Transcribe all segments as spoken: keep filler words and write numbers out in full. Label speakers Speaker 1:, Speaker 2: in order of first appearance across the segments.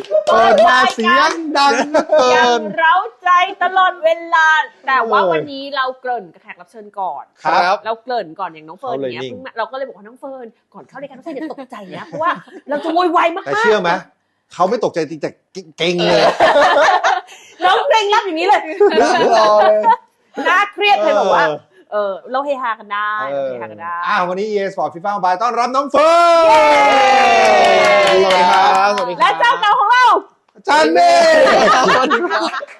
Speaker 1: เปิดมาเสียงดังเหลือเกิ
Speaker 2: ยัง
Speaker 1: น
Speaker 2: เร้าใจตลอดเวลาแต่ว่าวันนี้เราเกริ่นกับแขกรับเชิญก่อน
Speaker 1: ครับ
Speaker 2: เราเกริ่นก่อนอย่างน้องเฟิร์นเนี้ยเราก็เลยบอกว่าน้องเฟิร์นก่อนเข้ารายการน้องเฟิร์นอย่าตกใจนะเพราะว่าเราจะโวยวายมากๆ
Speaker 1: แต่เชื่อไหมเขาไม่ตกใจจริงแต่เก่งเลย
Speaker 2: น้องเกรงรับอย่างนี้เลย
Speaker 1: รอเลย
Speaker 2: น่าเครียดเลยบอกว่าเออเราเฮฮากันได้เราเฮฮากันได้
Speaker 1: อ้าววันนี้ อี เอ Sport FIFA Mobile ต้อนรับน้องเฟิร์นสวัสดีครับสวัสดีครับ
Speaker 2: และเจ้าเก่าของเรา
Speaker 1: อาจารย์เมย์สวัสดีครับ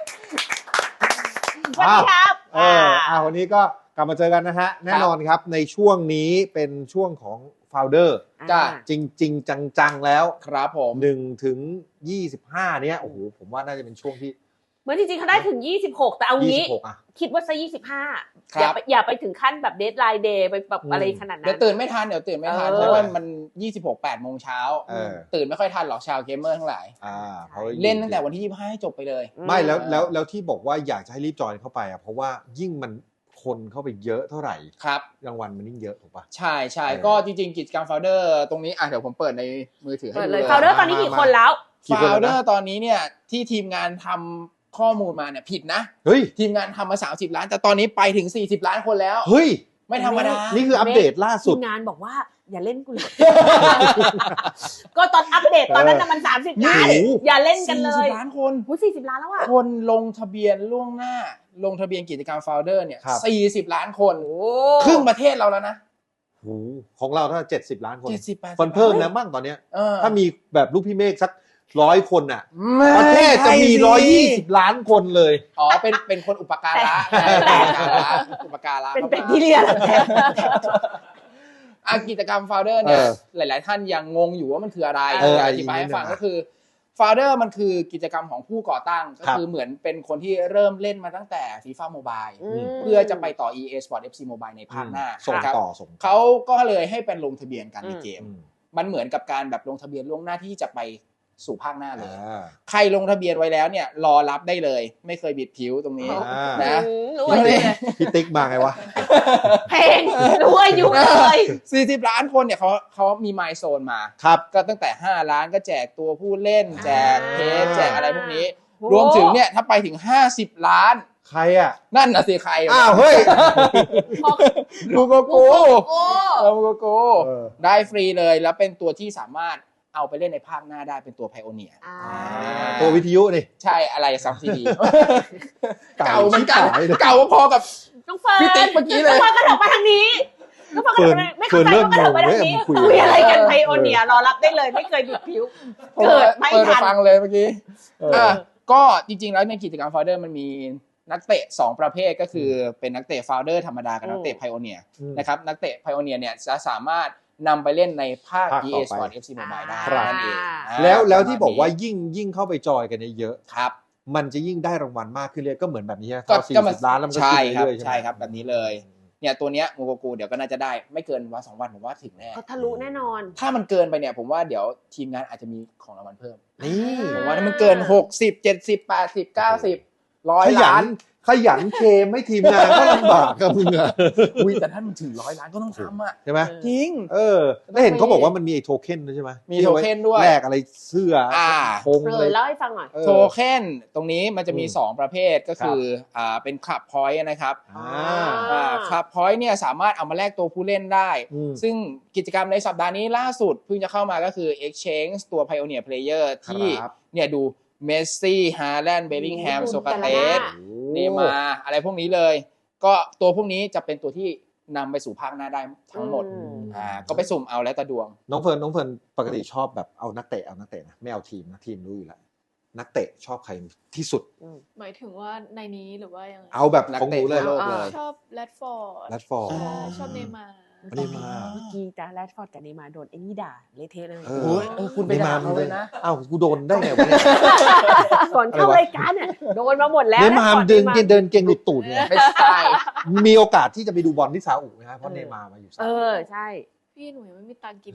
Speaker 2: สวัสดีครับ
Speaker 1: เอออ่าวันนี้ก็กลับมาเจอกันนะฮะแน่นอนครับในช่วงนี้เป็นช่วงของ Founder
Speaker 3: จ้ะ
Speaker 1: จริงจริงจังๆแล้ว
Speaker 3: ครับผม
Speaker 1: หนึ่งถึงยี่สิบห้าเนี้ยโอ้โหผมว่าน่าจะเป็นช่วงที่
Speaker 2: เหมือนจริงๆเขาได้ถึงยี่สิบหกแต่เอางี้
Speaker 1: ยี่สิบหกอ่ะ
Speaker 2: คิดว่าซะยี่สิบห้า
Speaker 3: ครับ
Speaker 2: อย่าไปอย่าไปถึงขั้นแบบเดทไลน์เดย์ไปแบบ
Speaker 1: อืม
Speaker 2: อะไรขนาด
Speaker 3: เดี๋
Speaker 2: นั้
Speaker 3: ยวน ตื่นไม่ทันเดี๋ยวตื่นไม่ทัน
Speaker 2: เออ
Speaker 3: เพราะว่ามันยี่สิบหก แปดโมงเช้า
Speaker 1: เออ
Speaker 3: ตื่นไม่ค่อยทันหรอกชาวเกมเมอร์ทั้งหลาย
Speaker 1: อ่าเขา
Speaker 3: เล่นตั้งแต่วันที่ยี่สิบห้าให้จบไปเลย
Speaker 1: ไม่แล้วแล้วแล้วที่บอกว่าอยากจะให้รีบจอยเข้าไปอ่ะเพราะว่ายิ่งมันคนเข้าไปเยอะเท่าไหร่
Speaker 3: ครับ
Speaker 1: รางวัลมันยิ่งเยอะถูกปะ
Speaker 3: ใช่ใช่
Speaker 1: เออ
Speaker 3: ก็จริงๆกิจกรรม Founder ตรงนี้อ่ะเดี๋ยวผมเปิดในมือถือให้
Speaker 2: เปิด
Speaker 3: ดู
Speaker 2: เลย
Speaker 3: เลย
Speaker 2: ฟาวเดอร์ตอนนี้กี่คนแล้ว
Speaker 1: กี่คนแล้วนะ
Speaker 3: Founder ตอนนี้เนี่ยที่ทีมงานทำข้อมูลมาเนี่ยผิดนะ
Speaker 1: เฮ้ย
Speaker 3: ทีมงานทำมาสามสิบล้านแต่ตอนนี้ไปถึงสี่สิบล้านคนแล้ว
Speaker 1: เฮ้ย
Speaker 3: ไม่ธรรมดา
Speaker 1: นี่คืออัปเดตล่าสุ
Speaker 2: ที
Speaker 1: ด
Speaker 2: มงานบอกว่าอย่าเล่นกูเลย ก็ตอนอัปเดตตอนนั้นน่ะมันสามสิบล้าน
Speaker 1: โอ้โห
Speaker 2: อย่าเล่นกันเล
Speaker 3: สี่สิ
Speaker 2: ย
Speaker 3: บล้านคน
Speaker 2: หูสี่สิบล้านแล้วอ่ะ
Speaker 3: คนลงทะเบียนล่วงหน้า ลงทะเบียนกิจกรรม Founder เนี่ย
Speaker 1: ครับ
Speaker 3: สี่สิบล้านคน
Speaker 2: โอ้
Speaker 3: ครึ่งประเทศเราแล้วนะ
Speaker 1: โอ้โหของเราถ้าเจ็ดสิบล้านคน
Speaker 3: เจ็ดสิบแปดสิบ
Speaker 1: คนเพิ่มแล้วมั่งตอนเนี้ย
Speaker 3: เออ
Speaker 1: ถ้ามีแบบลูกพี่เมฆสักร้อยคนอ่ะ
Speaker 3: ไม่
Speaker 1: ประเทศจะมี
Speaker 3: ใช่
Speaker 1: ร้อยยี่สิบล้านคนเลย
Speaker 3: อ๋อเป็นเป็นคนอุปการะ
Speaker 2: แต่
Speaker 3: อุปการะอุปการะ
Speaker 2: เป็นเป็นที่เรียกแล้วแต่
Speaker 3: อ่ะกิจกรรม Founder เนี่ย
Speaker 1: เออ
Speaker 3: หลาย ๆ ท่านยังงงอยู่ว่ามันคืออะไร
Speaker 1: เออ
Speaker 3: อธิบายให้ฟัง
Speaker 1: อีกนิดนึง
Speaker 3: ก็คือ Founder มันคือกิจกรรมของผู้ก่อตั้ง ก็
Speaker 1: ครับ
Speaker 3: คือเหมือนเป็นคนที่เริ่มเล่นมาตั้งแต่ FIFA Mobile
Speaker 2: อืม
Speaker 3: เพื่อจะไปต่อ อี เอ Sport เอฟ ซี Mobile ในภาคหน้า
Speaker 1: ส่ง
Speaker 3: นะครับ
Speaker 1: ต่อส่งต่อ
Speaker 3: เขาก็เลยให้เป็นลงทะเบียนกันใน
Speaker 2: อืม
Speaker 3: เกม
Speaker 1: อืม
Speaker 3: มันเหมือนกับการแบบลงทะเบียนล่วงหน้าที่จะไปสู่ภาคหน้าเลย
Speaker 1: อ่า
Speaker 3: ใครลงทะเบียนไว้แล้วเนี่ยรอรับได้เลย ไม่เคยบิดผิวตรงนี้
Speaker 1: อ่า
Speaker 3: นะ
Speaker 2: อืมรู้อายุเลย
Speaker 1: พี่ติ๊กมาไงวะ
Speaker 2: เพลงรู้อายุเลย
Speaker 3: สี่สิบล้านคนเนี่ยเขาเขามีไมล์โซนมา
Speaker 1: ครับ
Speaker 3: ก็ตั้งแต่ห้าล้านก็แจกตัวผู้เล่น แจกเพจแจกอะไรพวกนี้
Speaker 2: โอ้
Speaker 3: รวมถึงเนี่ยถ้าไปถึงห้าสิบล้าน
Speaker 1: ใครอ่ะ
Speaker 3: นั่นน่ะสิใคร
Speaker 1: อ้าวเฮ้ย
Speaker 3: กูโกโก้
Speaker 2: โอ้
Speaker 3: เออกูโกโก้
Speaker 1: เออ
Speaker 3: ได้ฟรีเลยแล้วเป็นตัวที่สามารถเอาไปเล่นในภาคหน้าได้เป็นตัวไพโอเนีย
Speaker 2: อ่า
Speaker 1: ตัววิทยุนี่
Speaker 3: ใช่อะไรซับซีดี
Speaker 1: เก่า
Speaker 3: เก่าเหมือนกัน
Speaker 1: ชิบหายเลย
Speaker 3: เก่าพอกับ
Speaker 2: น้องเฟิร์น
Speaker 3: พี่ติ๊กเมื่อกี้เลย
Speaker 2: น้องเฟิร์นกระโดดมาทางนี้น้องเฟิร์นกระโดดมาไม่เข้าใจ
Speaker 1: เฟิร์น
Speaker 2: ว่ากระโดดมาทางนี้
Speaker 1: เริ่มงงเว้ยคุย
Speaker 2: คุยอะไรกันไพโอเนียรอรับได้เลยไม่เคยบิดผิว เกิดไม่
Speaker 3: เปิด
Speaker 2: ทัน
Speaker 3: ฟังเลยเมื่อกี้
Speaker 1: เอออ่
Speaker 3: อ่ะก็จริงๆแล้วในกิจกรรม Founder มันมีนักเตะสองประเภทก็คือเป็นนักเตะ Founder ธรรมดากับนักเตะ Pioneer
Speaker 1: อืม
Speaker 3: นะครับนักเตะ Pioneer เนี่ยจะสามารถนำไปเล่นในภาค
Speaker 1: ภาค
Speaker 3: อี
Speaker 1: ต่
Speaker 3: เอ
Speaker 1: อไป
Speaker 3: Sport เอฟ ซี Mobile ได้
Speaker 1: ครับ
Speaker 3: นั่นเองอ่า
Speaker 1: แล้วแล้ว
Speaker 3: ประมณ
Speaker 1: ที่บอกว่า
Speaker 3: นี้
Speaker 1: ยิ่งยิ่งเข้าไปจอยกันเยอะ
Speaker 3: ครับ
Speaker 1: ๆมันจะยิ่งได้รางวัลมากขึ้นเรื่อยก็เหมือนแบบนี้
Speaker 3: ก็
Speaker 1: เข้าสี่
Speaker 3: ก็มัน
Speaker 1: สิบล้านแล้วมันก็
Speaker 3: ใช่
Speaker 1: ขึ้น
Speaker 3: ครับ
Speaker 1: เรื่อยๆใช่ไหม
Speaker 3: ใช่ครับแบบนี้เลยเนี่ยตัวเนี้ยมูโกกูเดี๋ยวก็น่าจะได้ไม่เกินวันสองวันผมว่าถึงแน่
Speaker 2: เขาทะลุแน่นอน
Speaker 3: ถ้ามันเกินไปเนี่ยผมว่าเดี๋ยวทีมงานอาจจะมีของรางวัลเพิ่ม
Speaker 1: นี่
Speaker 3: ผมว่าถ้ามันเกินหกสิบ เจ็ดสิบ แปดสิบ เก้าสิบ ร้อย
Speaker 1: ขยั
Speaker 3: ล้าน
Speaker 1: นขยันเคมให้ทีมงานก็ลำบากกับมึงอะ
Speaker 3: อุ้ยแต่ถ้ามันถึงร้อยล้านก็ต้องทำอ่ะ
Speaker 1: ใช่ไหม
Speaker 3: จริง
Speaker 1: เออแล้วเห็นเขาบอกว่ามันมีไอ้โทเค็นด้วยใช่ไหม
Speaker 3: มีโทเค็นด้วย
Speaker 1: แลกอะไรเสื้ออา ธง
Speaker 2: เอ
Speaker 1: อะไร
Speaker 2: อเล่าให้ฟังหน่อย
Speaker 1: ออ
Speaker 3: โทเค็นตรงนี้มันจะมี
Speaker 1: อืม
Speaker 3: สองประเภทก็คืออ่าเป็นคลับพอยต์นะครับ
Speaker 1: อ่า
Speaker 3: อ่าคลับพอยต์เนี่ยสามารถเอามาแลกตัวผู้เล่นได้
Speaker 1: อืม
Speaker 3: ซึ่งกิจกรรมในสัปดาห์นี้ล่าสุดเพิ่งจะเข้ามาก็คือ Exchange ตัว Pioneer Player ที่
Speaker 1: ครับ
Speaker 3: เนี่ยดูเมสซี่ฮาแลนด์เบลลิงแฮม
Speaker 2: โอ้โห
Speaker 3: โซกาเต
Speaker 2: แต่ละห
Speaker 3: ส
Speaker 2: น้า
Speaker 3: เนย์มาร์อะไรพวกนี้เลย ก็ตัวพวกนี้จะเป็นตัวที่นำไปสู่ภาคหน้าได้ทั้งหมด
Speaker 2: อืม
Speaker 3: อ่าก็ไปสุ่มเอาแล้วแต่ดวง
Speaker 1: น้องเฟิร์นน้องเฟิร์นปกติชอบแบบเอานักเตะเอานักเตะนะไม่เอาทีมนะทีมรู้อยู่แล้วนักเตะชอบใครที่สุด
Speaker 4: หมายถึงว่าในนี้หรือว่ายังไง
Speaker 1: เอาแบบ
Speaker 3: นัก
Speaker 1: ของห
Speaker 3: เตะ
Speaker 1: นูเลย
Speaker 3: ทั่วโลกเลย
Speaker 4: ชอบแรดฟอร์ด
Speaker 1: แรดฟอร์ด
Speaker 4: ชอบเนย์มาร์
Speaker 1: อันนี้มา
Speaker 2: เมื่อกี้จ้าแรดฟอร์ดกับเนย์มาร์โดนไอ้นี่ด่าเละเทะเลย
Speaker 1: เอ
Speaker 3: โอ้ยเออคุณไปด่าเขาเลยนะ
Speaker 1: อ้าวกูโดนได้ไงวะเนี่ย
Speaker 2: ก่อนเข้ารายการเนี่ยโดนมาหมดแล้ว
Speaker 1: เนย์มาร์เดินเดินเก่งหลุดตูดเนี่ย
Speaker 3: ไม่ใช่
Speaker 1: มีโอกาสที่จะไปดูบอลที่ซาอุไหมครับเพราะเนย์มาร์มาอยู่ซา
Speaker 2: เอ
Speaker 1: อุ
Speaker 2: อใช่
Speaker 4: พี่หนูยังไม่มีตังค์กิน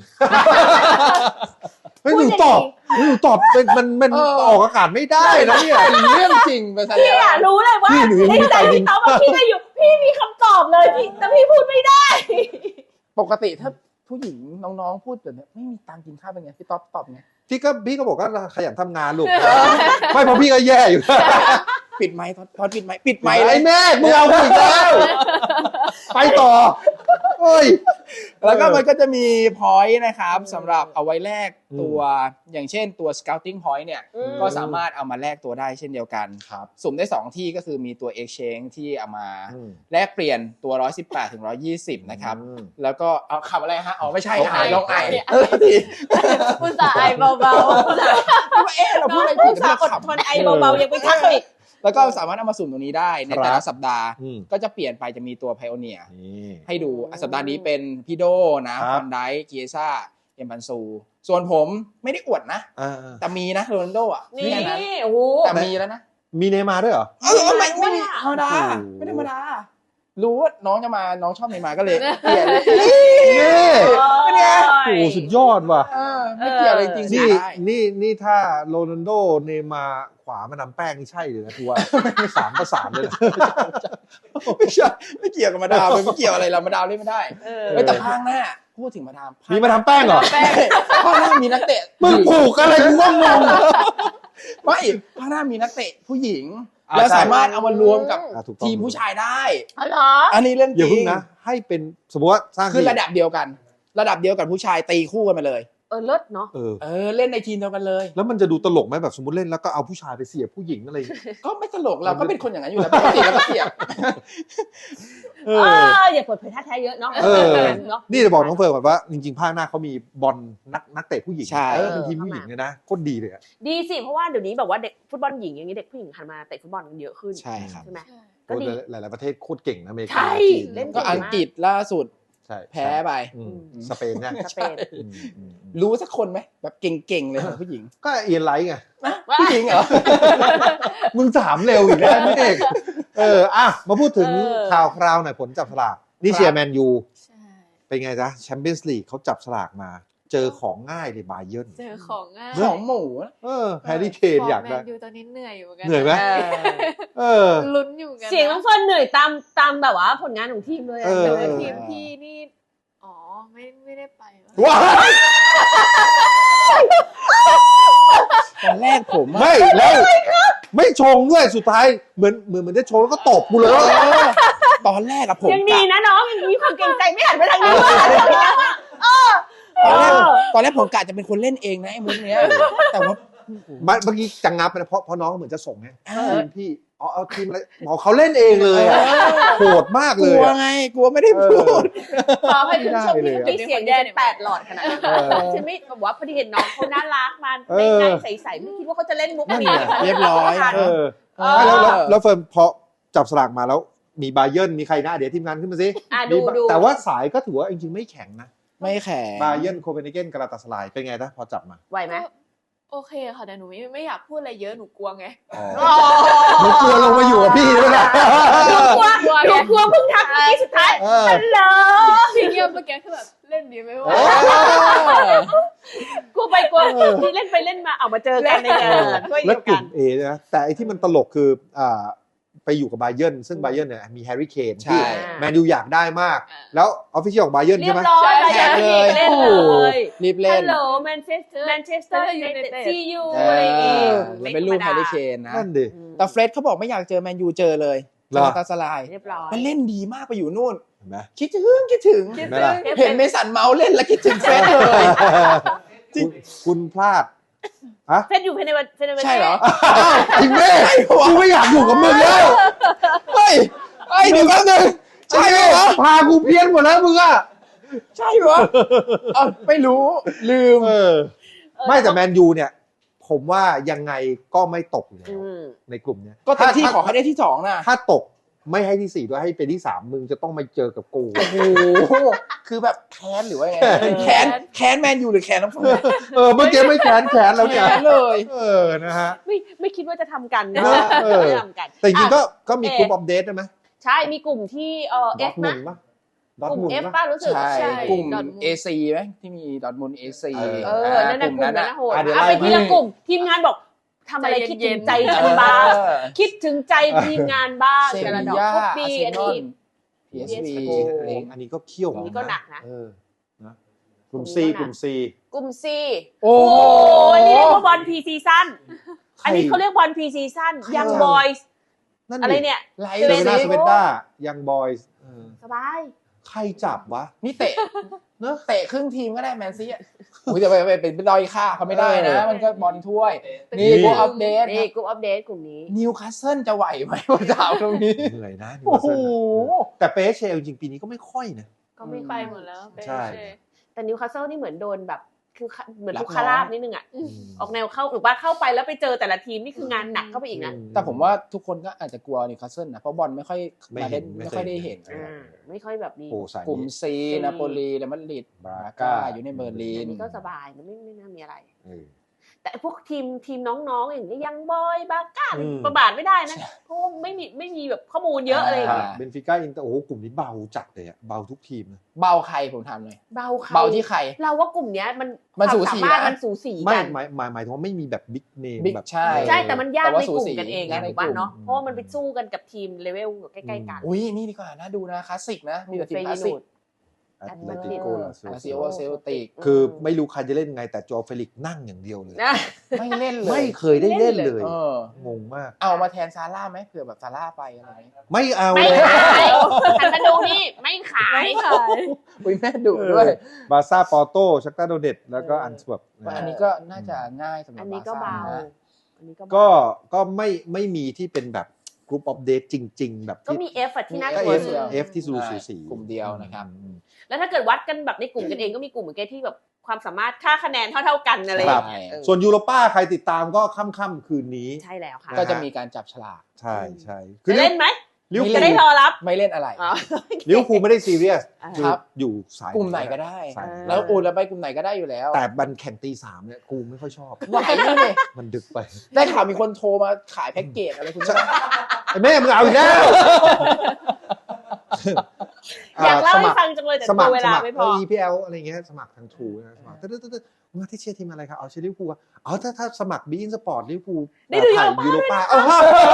Speaker 1: เฮ้ยหนูตอบเฮ้ยหนูตอบเป็นมันมัน
Speaker 3: เออ
Speaker 1: ออกอากาศไม่ได้นะเนี่ย
Speaker 3: เรื่องจริงไปซะ
Speaker 2: พี่
Speaker 3: แล้ว
Speaker 2: อะรู้เลยว่า
Speaker 1: พี่หนูยัง
Speaker 2: ใน
Speaker 1: ไม่มี
Speaker 2: ใจ
Speaker 1: ตังค์กิ
Speaker 2: พี่
Speaker 1: น
Speaker 2: ตอบว่าพี่ได้อยู่พี่มีคำตอบเลยพี่แต่พี่พูดไม่ได้
Speaker 3: ปกติถ้าผู้หญิงน้องๆพูดแบบนี้ไม่มีตังค์กินข้าวเป็นไงพี่ต๊อบตอบไง
Speaker 1: พี่ก็พี่ก็บอกว่าขยันทำงานลูก ไม่เพราะพี่ก็แย่อยู่
Speaker 3: ปิดไมค์ทอดปิดไมค์ปิดไม
Speaker 1: ไม่
Speaker 3: ค์เล
Speaker 1: ไอ้
Speaker 3: ย
Speaker 1: แม่มึงเอากูอีกแล้วไปต่อเอ้ย
Speaker 3: แล้วก็มันก็จะมี point นะครับ
Speaker 2: อืม
Speaker 3: สำหรับเอาไว้แลก
Speaker 1: อืม
Speaker 3: ตัวอย่างเช่นตัว scouting point เนี่ย
Speaker 2: อืม
Speaker 3: ก็สามารถเอามาแลกตัวได้เช่นเดียวกัน
Speaker 1: ครับ
Speaker 3: สุ่มได้สองที่ก็คือมีตัว exchange ที่เอามา
Speaker 1: อืม
Speaker 3: แลกเปลี่ยนตัวหนึ่งร้อยสิบแปดถึงหนึ่งร้อยยี่สิบนะครับ
Speaker 1: อืม
Speaker 3: แล้วก็เอาขับอะไรฮะอ๋อไม่ใช่
Speaker 1: น้อง
Speaker 3: หาย
Speaker 1: ไอ
Speaker 3: น้องไอ
Speaker 4: ไอ
Speaker 3: เออที
Speaker 4: อุตส่าห์ไอเบา
Speaker 3: เอ๊ะเรา
Speaker 2: น้
Speaker 3: พู
Speaker 2: อ
Speaker 3: ด
Speaker 2: ง
Speaker 3: อะไร
Speaker 2: ผู้
Speaker 3: ผิด
Speaker 2: สา
Speaker 3: เรา
Speaker 2: ห์อด
Speaker 3: ขำ
Speaker 2: ทนไอเบาๆยังไม่ทักเลย
Speaker 3: แล้วก็สามารถเอามาสุ่มตรงนี้ได้ในแต่
Speaker 1: ครั
Speaker 3: ละ
Speaker 1: บ
Speaker 3: สัปดาห์
Speaker 1: อืม
Speaker 3: ก็จะเปลี่ยนไปจะมีตัว Pioneer
Speaker 1: นี่
Speaker 3: ให้ดู
Speaker 2: อืม
Speaker 3: สัปดาห์นี้เป็นพี่โดนะ
Speaker 1: ค
Speaker 3: ฟ
Speaker 1: รับ
Speaker 3: อนไดเกียซ่าเอ็มบันซู ส่วนผมไม่ได้อวดนะ
Speaker 1: อ่า
Speaker 3: แต่มีนะโรนัลโดอ่ะ
Speaker 2: นี่
Speaker 3: แค่นั้น
Speaker 2: โอ้โห
Speaker 3: แต่มีแล้วนะ
Speaker 1: มีเนย์มาร์ด้วยเหรอ
Speaker 3: เออไม่ไม่มี
Speaker 2: ด้วยอะ
Speaker 3: ธรรมดา
Speaker 1: โอ้โห
Speaker 3: ไม่ธรรมดา รู้ว่าน้องจะมาน้องชอบเนย์มาร์ก็เลยเปลี่ยนเลย
Speaker 1: นี่
Speaker 3: เป็นไง
Speaker 1: โอ้โหสุดยอดว่ะ
Speaker 3: เออไม่เกี่ยวอะไรจริงๆ
Speaker 1: นี่
Speaker 3: ได้
Speaker 1: นี่นี่ถ้าโรนัลโดเนย์มาร์ขวามานำแป้งนี่ใช่เลยนะทัวสามประสานเลยนะ
Speaker 3: ไม่ใช่ไม่เกี่ยวกับมาดามเลยไม่เกี่ยวอะไรเรามาดามเล่นไม่ได้
Speaker 2: เออ
Speaker 3: เฮ้ยแต่ภาคหน้าพูดถึงมาดาม
Speaker 1: มีมาทำแป้งเหรอ
Speaker 3: แป้งภาคหน้ามีนักเตะ
Speaker 1: มึงผูกอะไรกูว่างง
Speaker 3: ไม่ภาคหน้ามีนักเตะผู้หญิง
Speaker 1: อ่า
Speaker 3: แล้ว
Speaker 1: ใช่
Speaker 3: สามารถเอามารวมกับ
Speaker 1: อ่ะถูกต้อง
Speaker 3: ทีมผู้ชายได้
Speaker 2: อ๋อเหรอ
Speaker 3: อันนี้เรื่องจ
Speaker 1: อย่า
Speaker 3: ริ
Speaker 1: เพิ่ง
Speaker 3: ง
Speaker 1: นะ ให้เป็นสมมติว่าสร้าง
Speaker 3: คือ
Speaker 1: ทีม
Speaker 3: ระดับเดียวกัน ระดับเดียวกับผู้ชายตีคู่กันมาเลย
Speaker 2: เออเลิศเนาะ
Speaker 1: เออ
Speaker 3: เออเล่นในทีมเดียวกันเลย
Speaker 1: แล้วมันจะดูตลกไหมแบบสมมติเล่นแล้วก็เอาผู้ชายไปเสียบผู้หญิงอะไรอย่างเงี้ย
Speaker 3: ก็ไม่ตลกเราก็เป็นคนอย่างนั้นอยู่แล้วปกติเราก็เสียบ
Speaker 1: เอ
Speaker 2: เอ
Speaker 1: อ
Speaker 2: ออย่าเปิดเผยท่าแท้เยอะเนาะ
Speaker 1: เออ
Speaker 2: เนาะ
Speaker 1: นี่จะบอกน้องเฟิร์นก่อนว่าจริงๆภาคหน้าเขามีบอลนักนักเตะผู้หญิง
Speaker 3: ใช่
Speaker 1: เออเป็นทีมผู้หญิงเลยนะโคตรดีเลยอะ
Speaker 2: ดีสิเพราะว่าเดี๋ยวนี้แบบว่าเด็กฟุตบอลหญิงอย่างนี้เด็กผู้หญิงหันมาเตะฟุตบอลกันเยอะขึ้น
Speaker 3: ใช่ครับ
Speaker 2: ใช่ไหม
Speaker 4: ใช่
Speaker 2: ก็ดี
Speaker 1: หลายๆประเทศโคตรเก่งนะอเมริกา
Speaker 2: ใช่
Speaker 1: จีน
Speaker 2: เล่น
Speaker 3: ก็อังกฤษล่าสุด
Speaker 1: ใช่
Speaker 3: แพ้ไป
Speaker 1: อืมสเปนเนี่ย
Speaker 2: สเปน
Speaker 1: อืมอืมอืม
Speaker 3: รู้สักคนไหมแบบเก่งๆเลยของผู้หญิง
Speaker 1: ก็เอียนไลท์ไง
Speaker 3: นะผู้หญิงเหรอ
Speaker 1: มึงถามเร็วอีกแล้วพี่เอกเอออ่ะมาพูดถึง
Speaker 2: เออ
Speaker 1: ข่าวคราวหน่อยผลจับสลากนี่เชียร์แมนยู
Speaker 4: ใช่
Speaker 1: เป็นไงจ๊ะแชมเปี้ยนส์ลีกเขาจับสลากมา เจอของง่ายเลยบาเยิร์น
Speaker 4: เจอของง่าย
Speaker 3: ของหมูนะ
Speaker 1: เออแฮร์รี่เคน
Speaker 4: ฟร์ม
Speaker 1: อยาก
Speaker 4: แม
Speaker 1: ได้
Speaker 4: นยูตอนนี้เหนื่อยอยู่เหมือนกั
Speaker 1: เหนื่อยไหม
Speaker 2: เออ
Speaker 1: เออ
Speaker 4: ลุ้นอยู่เหมือนกัน
Speaker 2: เสียงน้องเฟิร์นเหนื่อยตามตามแบบว่าผลงานของทีมเลยอะ
Speaker 1: เออ
Speaker 4: แต่
Speaker 2: เหนื่อย
Speaker 4: ทีมพี่นี่อ๋อไม่ไม่ได้ไปวะ
Speaker 1: ว้าย
Speaker 3: ตอนแรกผมอะ
Speaker 1: ไม่แล้วไม่ชงด้วยสุดท้ายเหมือนเหมือนเหมือนจะชงแล้วก็ตบกูเลย
Speaker 3: เออตอนแรกอะผม
Speaker 2: ยังดี
Speaker 3: กะ
Speaker 2: นะน้องยังมีความเกรงใจไม่หันไปทางนี้ว่า
Speaker 3: ตอนแรก
Speaker 2: เออ
Speaker 3: ตอนแรกผมกะจะเป็นคนเล่นเองนะไอ้มุกเนี้ยแต่ว่า
Speaker 1: เมื่อกี้จังงับไปนะเพราะเพราะน้องเหมือนจะส่งไง
Speaker 3: เออ
Speaker 1: ทีมพี่อ๋อเอาทีมอะไรบอกเขาเล่นเองเลยอะโหดมาก
Speaker 3: ก
Speaker 1: เล
Speaker 3: ลั
Speaker 1: ยว อะ
Speaker 3: ไงกลัวไม่ได้พูด
Speaker 2: ขอให้คุณผู้ชม
Speaker 1: ไม่
Speaker 2: ที่
Speaker 1: ได้เลยอะ
Speaker 2: มีเสียงแย่แปดหลอดขนาดนั้น
Speaker 1: เออ
Speaker 2: ฉันไม่แบบว่าพอดีเห็นน้องเขาน่ารักมา
Speaker 1: เอ
Speaker 2: ใน
Speaker 1: อ
Speaker 2: ในใสๆไม่คิดว่าเขาจะเล่นมุก
Speaker 1: นั่น
Speaker 2: นี้
Speaker 1: ไง
Speaker 3: เรียบร้อย
Speaker 1: เออ
Speaker 2: เออ
Speaker 1: ไม่แล้วแล้วแล้วเฟิร์นพอจับสลากมาแล้วมีบาเยิร์นมีใครนะเดี๋ยวทีมงานขึ้นมาสิ
Speaker 2: อ่ะดู
Speaker 1: มี
Speaker 2: ดู
Speaker 1: แต่ว่าสายก็ถือว่าจริงๆไม่แข็งนะ
Speaker 3: ไม่แข็ง
Speaker 1: บาเยิร์นโคเปนเฮเกนกาลาตาสไลายเป็นไงนะพอจับมา
Speaker 2: ไหวไหม
Speaker 4: ก็โอเคค่ะแต่หนูไม่ไม่อยากพูดอะไรเยอะหนูกลัวไง
Speaker 1: อ๋อหนูกลัวลงมาอยู่กับพี่ด้วยนะ
Speaker 2: ดูกลัว
Speaker 4: กลัว
Speaker 2: ดู
Speaker 4: ไง
Speaker 2: กลัวเพิ่งทักเมื่อกี้สุดท้าย
Speaker 1: เออ
Speaker 2: ฮัลโหล
Speaker 4: ที่เงียบเมื่อกี้คือแบบเล่นดีไหมวะ
Speaker 1: เออ
Speaker 2: กลัวไปกลัวที่เล่นไปเล่นมาเอามาเจอกันในงานช่วย
Speaker 1: แล้ว
Speaker 2: เดียว
Speaker 1: ก
Speaker 2: กั
Speaker 1: ลุ่
Speaker 2: น
Speaker 1: มเอนะแต่ไอที่มันตลกคืออ่าไปอยู่กับบาเยิร์นซึ่งบาเยิร์นเนี่ยมีแฮร์รี่เคน
Speaker 3: ใช่
Speaker 1: ที่แมนยูอยากได้มาก แล้วออฟฟิเชียลของบาเยิร์น
Speaker 2: เรี
Speaker 1: ใช่
Speaker 2: ย
Speaker 1: ไหม
Speaker 2: บร้อยไป
Speaker 3: แท็กเลย
Speaker 2: เล่นเลย
Speaker 3: รีบเล่
Speaker 2: ฮั
Speaker 3: น
Speaker 2: ลโหลแมนเชสเตอร์แมนเชสเตอร์ยูไนเต็ดซียู
Speaker 3: เอ
Speaker 2: อะไรอย่างงี้
Speaker 3: อแล้วเป็นรูปแฮร์รี่เคนนะ
Speaker 1: นั่นดิ
Speaker 3: แต่เฟรดเขาบอกไม่อยากเจอแมนยูเจอเลย
Speaker 1: เหรอ
Speaker 3: กาลาตาสไลาย
Speaker 2: เรียบร้อย
Speaker 3: มันเล่นดีมากไปอยู่นู่น
Speaker 1: เห็นไหม
Speaker 3: คิดถึงคิดถึง
Speaker 1: เห็นไหมล่ะ
Speaker 3: เห็นเมสันเมาส์เล่นแล้วคิดถึงเฟรดเลย
Speaker 1: คุณคุณพลาดฮะ
Speaker 2: เฟนอยู่ภายในวันภายในวัน
Speaker 3: ใช่เหรอ
Speaker 1: อ้าวไอ้แม่กูไม่อยากอยู่กับมึงแล้ว
Speaker 3: เฮ้ยเฮ้ยเดี๋ยวแป๊บนึงใช่ไหมวะ
Speaker 1: พากูเพี้ยนหมดแล้วมึงอะ
Speaker 3: ใช่เหรอเอ้าไม่รู้ลืม
Speaker 1: เออ ไม่แต่แมนยูเนี่ย ผมว่ายังไงก็ไม่ตกอยู่แล้ว
Speaker 2: อืม
Speaker 1: ในกลุ่มเนี้ย
Speaker 3: ก็เต็มที่
Speaker 1: ถ้า
Speaker 3: ขอให้ได้ที่สองนะ
Speaker 1: ถ้าตกไม่ให้ที่สี่ด้วยให้เป็นที่สามมึงจะต้องมาเจอกับกู
Speaker 3: โอ้โหคือแบบแค้นหรือว่าไง
Speaker 1: แค้น
Speaker 3: แค้นแค้นแมนยูหรือแค้นน้องเฟิร์น
Speaker 1: เออเมื่อกี้ไม่แขนแขนแล้วเนี่ย
Speaker 3: แค้นเลย
Speaker 1: เออนะฮะ
Speaker 2: ไม่ไม่คิดว่าจะทำกันนะ
Speaker 1: เออเออ
Speaker 2: ไม่ทำกัน
Speaker 1: แต่จริงๆก็
Speaker 2: อ่ะ
Speaker 1: ก็มีกลุ่มอัปเดตใช่ไหม
Speaker 2: ใช่มีกลุ่มที่เอ่อ
Speaker 1: ดอ
Speaker 2: F
Speaker 1: ทมุ
Speaker 2: นะ
Speaker 1: นปะดอท
Speaker 2: กลุ่ม
Speaker 1: มุน
Speaker 2: F
Speaker 1: ปะ
Speaker 2: ป้ารู้สึก
Speaker 3: ใช่
Speaker 4: ใช่
Speaker 3: กลุ่ม
Speaker 4: ดอทมุน
Speaker 3: เอ ซี ไหมที่มีดอทมุน เอ ซี
Speaker 1: เออ
Speaker 2: เออนั่นน่ะกลุ่มนั้นนะโหด
Speaker 1: อ่ะเดี๋ยว
Speaker 2: เอา
Speaker 1: ไล่
Speaker 2: ไปทีละ
Speaker 1: มา
Speaker 2: กลุ่มทีมงานบอกทำอะไรคิดถึงใจ
Speaker 3: เอ
Speaker 2: ฉันบ้าง
Speaker 3: อ
Speaker 2: คิดถึงใจทีมงานบ้าง
Speaker 3: เซ
Speaker 2: แต่ละ
Speaker 3: บี
Speaker 2: ดอก
Speaker 3: ย่า
Speaker 2: พวก
Speaker 3: อา
Speaker 2: ปี
Speaker 3: ร์เซ
Speaker 2: อัน
Speaker 3: นอ
Speaker 2: นี้
Speaker 3: ล พี เอส วี
Speaker 2: โอ้โห
Speaker 1: อันนี้ก็เขี้ยว
Speaker 2: อันนี้ก็หนักนะ
Speaker 1: เออนะกลุ่ม C กลุ่ม C
Speaker 4: กลุ่ม C
Speaker 3: โอ้
Speaker 2: โอ้
Speaker 3: โห
Speaker 2: อันนี้เรียกว่าบอลพีซีซั่นอันนี้เขาเรียกบอลพีซีซั่นยังบอยส์
Speaker 1: นั่น
Speaker 2: อะไรเนี่ย
Speaker 3: ไล
Speaker 1: เซ
Speaker 3: เล
Speaker 1: เว่น
Speaker 3: ย
Speaker 1: สเวนด้ายังบอยส์
Speaker 2: สบาย
Speaker 1: ใครจับวะ
Speaker 3: นี่เตะ
Speaker 1: เนอะ
Speaker 3: เตะครึ่งทีมก็ได้แมนซีอ่ะอุ้ยแต่ไปไปเป็นดอยค่าเขาไม่ได้นะ
Speaker 1: เออ
Speaker 3: มันก็บอลถ้วย
Speaker 1: นี่
Speaker 3: นี่พวกอัปเดต
Speaker 2: นี่กลุ่มอัปเดตกลุ่มนี้
Speaker 3: นิวคาสเซิลจะไหวไหมว่าจะเอาตรงนี้
Speaker 1: เหนื่อยนะนิว
Speaker 3: โอ้
Speaker 1: คาส
Speaker 3: โห
Speaker 1: เซิลนะแต่เปเชลจริงๆปีนี้ก็ไม่ค่อยนะ
Speaker 2: ก็ไม่
Speaker 4: ไป
Speaker 2: ไป
Speaker 4: ห
Speaker 2: ห
Speaker 4: ม
Speaker 2: ม
Speaker 4: ด
Speaker 2: ด
Speaker 4: แล้วเป
Speaker 1: ใช่
Speaker 4: เช่
Speaker 2: แต่นิวคาสเซิลนี่เหมือนโดนแบบคือเหมือน
Speaker 3: รับ
Speaker 2: ทุกคาราบ
Speaker 3: น้อง
Speaker 2: นิดนึงอ่ะ
Speaker 1: อืม
Speaker 2: ออกแนวเข้าหรือว่าเข้าไปแล้วไปเจอแต่ละทีมนี่คืองานหนักเข้าไปอีกนะ
Speaker 3: แต่ผมว่าทุกคนก็อาจจะกลัวนิวคาสเซิลนะเพราะบอลไม่ค่อย
Speaker 1: ไม่
Speaker 3: มา
Speaker 1: เห็
Speaker 3: เล่
Speaker 1: น
Speaker 3: น
Speaker 1: ไม่
Speaker 3: ไม่
Speaker 1: เคย
Speaker 3: ค่อยได้เห็น
Speaker 1: เห็น
Speaker 2: อ่าไม่ค่อยแบบนี้
Speaker 1: โอ้สาย
Speaker 3: กลุ่ม
Speaker 1: นี้
Speaker 3: ซีนาโปลีเรอัลมาดริด
Speaker 1: บรา
Speaker 3: บรา
Speaker 1: ก้า
Speaker 3: ก้าอยู่ในเบอร์ลิน
Speaker 2: อันนี้ก็สบายนะไม่ไม่น่ามีอะไร
Speaker 1: เออ
Speaker 2: แต่พวกทีมทีมน้องๆอย่างนี้ยังบอยบาก้า
Speaker 1: อืม
Speaker 2: ประบาทไม่ได้นะเพราะว่าไม่มีไม่มีแบบข้อมูลเยอะอะไรอย่าง
Speaker 1: ครั
Speaker 2: เงี้
Speaker 1: บ
Speaker 2: ย
Speaker 1: เบนฟิก้าอินเตอร์โอ้โหกลุ่มนี้เบาจัดเลยอะเบาทุกทีมนะ
Speaker 3: เบาใครผมถามเลย
Speaker 2: เบาใคร
Speaker 3: เบาที่ใคร
Speaker 2: เราว่ากลุ่มเนี้ยมัน
Speaker 3: มัน
Speaker 2: ควา
Speaker 3: สู
Speaker 2: ม
Speaker 3: สี
Speaker 2: สามารถ
Speaker 3: นะ
Speaker 2: มันสูสี
Speaker 1: ไม่
Speaker 2: กัน
Speaker 1: หมายหมายหมายถึงว่าไม่มีแบบบิ๊กเนม
Speaker 3: บิ๊ก
Speaker 1: แบบ
Speaker 3: ใช่
Speaker 2: ใช่แต่มันยาก
Speaker 3: แต่ว่า
Speaker 2: ในกลุ่
Speaker 3: สู
Speaker 2: ม
Speaker 3: สี
Speaker 2: กันเอง
Speaker 3: ยาก
Speaker 2: ไง
Speaker 3: ใน
Speaker 2: ถูกป่ะ
Speaker 3: กลุ่ม
Speaker 2: เนาะเพราะว่ามันไปสู้กันกับทีมเลเวลใกล้ๆกัน
Speaker 3: อุ้ยนี่ดีกว่านะดูนะคลาสสิกนะมีแต่ทีม
Speaker 2: เฟ
Speaker 3: คลาส
Speaker 2: ย
Speaker 3: สิ
Speaker 2: นู
Speaker 3: ก
Speaker 2: ด
Speaker 1: แอต
Speaker 2: แอต
Speaker 1: เล
Speaker 2: เล
Speaker 1: ติ
Speaker 2: ติ
Speaker 1: โก
Speaker 2: โก
Speaker 1: ลาซิ
Speaker 3: ลาซิโอเซลติก
Speaker 1: คือไม่รู้ใครจะเล่นไงแต่โจเฟลิกนั่งอย่างเดียวเลย
Speaker 2: นะ
Speaker 3: ไม่เล่นเลย
Speaker 1: ไม่เคยได้เล่นเลย
Speaker 3: เออง
Speaker 1: งมาก
Speaker 3: เอามาแทนซาร่าไหมเผื่อแบบซาร่าไปอะไรอย่างเงี้ย
Speaker 1: ไม่เอา
Speaker 2: ไม่
Speaker 1: เลย
Speaker 2: ขายหันมาดูนี่ไม่ขาย
Speaker 4: ไม่ขาย
Speaker 3: อุ้ยแม่ดุด้วย
Speaker 1: บาร์ซ่าปอร์โตชักตาโดเนตแล้วก็
Speaker 2: เอออั
Speaker 1: อันสวบ
Speaker 3: อันนี้ก็น่าจะง่ายสำหรับ
Speaker 2: อันนี้ก็เบา
Speaker 3: บาร์ซ่านะ
Speaker 2: อันนี้ก็
Speaker 1: ก็
Speaker 2: เบา
Speaker 1: ก็ไม่ไม่มีที่เป็นแบบกรุ๊ปอัปเดตจริง ๆ แบบ
Speaker 2: ก็
Speaker 1: ที่
Speaker 2: มี F อะที่น่า
Speaker 1: ก็
Speaker 2: กลัว
Speaker 1: F
Speaker 2: สุด
Speaker 1: F ที่สูสีสี
Speaker 3: กลุ่มเดียวนะครับ
Speaker 1: อืม
Speaker 2: แล้วถ้าเกิดวัดกันแบบในกลุ่มกันเองก็มีกลุ่มเหมือนกันที่แบบความสามารถค่าคะแนนเท่าๆกันอะไรอย่างเงี้ยเออ
Speaker 1: ส่วนยูโรป้าใครติดตามก็ค่ำๆคืนนี้
Speaker 2: ใช่แล้วค่ะ
Speaker 1: น
Speaker 3: ก็จะมีการจับฉลาก
Speaker 1: ใช่ใช่
Speaker 2: จะเล่นไหม
Speaker 1: ลิเวอร์
Speaker 3: ไม่
Speaker 1: พู
Speaker 2: จะ
Speaker 1: ล
Speaker 2: ได้รอรับ
Speaker 3: ไม่เล่นอะไร
Speaker 2: อ๋อ
Speaker 1: ลิเวอร์พูลไม่ได้ซีเรียส
Speaker 2: อ่า
Speaker 1: คือ
Speaker 3: ครับ
Speaker 1: อยู่สาย
Speaker 3: กลุ่มไหนก็ได้
Speaker 1: สาย
Speaker 2: เออ
Speaker 3: แล้วอูแล้วไปกลุ่มไหนก็ได้อยู่แล้ว
Speaker 1: แต่บันแข่งตีสามเนี่ยกูไม่ค่อยชอบ
Speaker 3: ไหวเลย
Speaker 1: มันดึกไป
Speaker 3: ได้ข่าวมีคนโทรมาขายแพ็กเกจอะไรคุณใช่ไหม
Speaker 1: ไอ้แม่มึงเอาอีกแล้ว
Speaker 2: อยากเล่าให้
Speaker 1: สมัคร
Speaker 2: ฟังจังเลยแต่
Speaker 1: สมัคร
Speaker 2: เว
Speaker 1: ส
Speaker 2: ลา
Speaker 1: มัคร
Speaker 2: ไม่พ
Speaker 1: เอ
Speaker 2: อ
Speaker 1: อ อี พี แอล อะไรเงี้ยสมัครทางทูนะสมัครตึ๊ดตึ๊ดตึ๊ดมาที่เชียร์ทีมอะไรครับเอาเชียร์ลิเวอร์พูลอะอ๋อถ้าถ้าสมัครบีอินสปอร์ตลิเวอร์พูล
Speaker 2: ได้ดู
Speaker 1: ถ่าย
Speaker 2: ยู
Speaker 1: ยู
Speaker 2: โร
Speaker 1: โร
Speaker 2: ป้า
Speaker 1: ป้า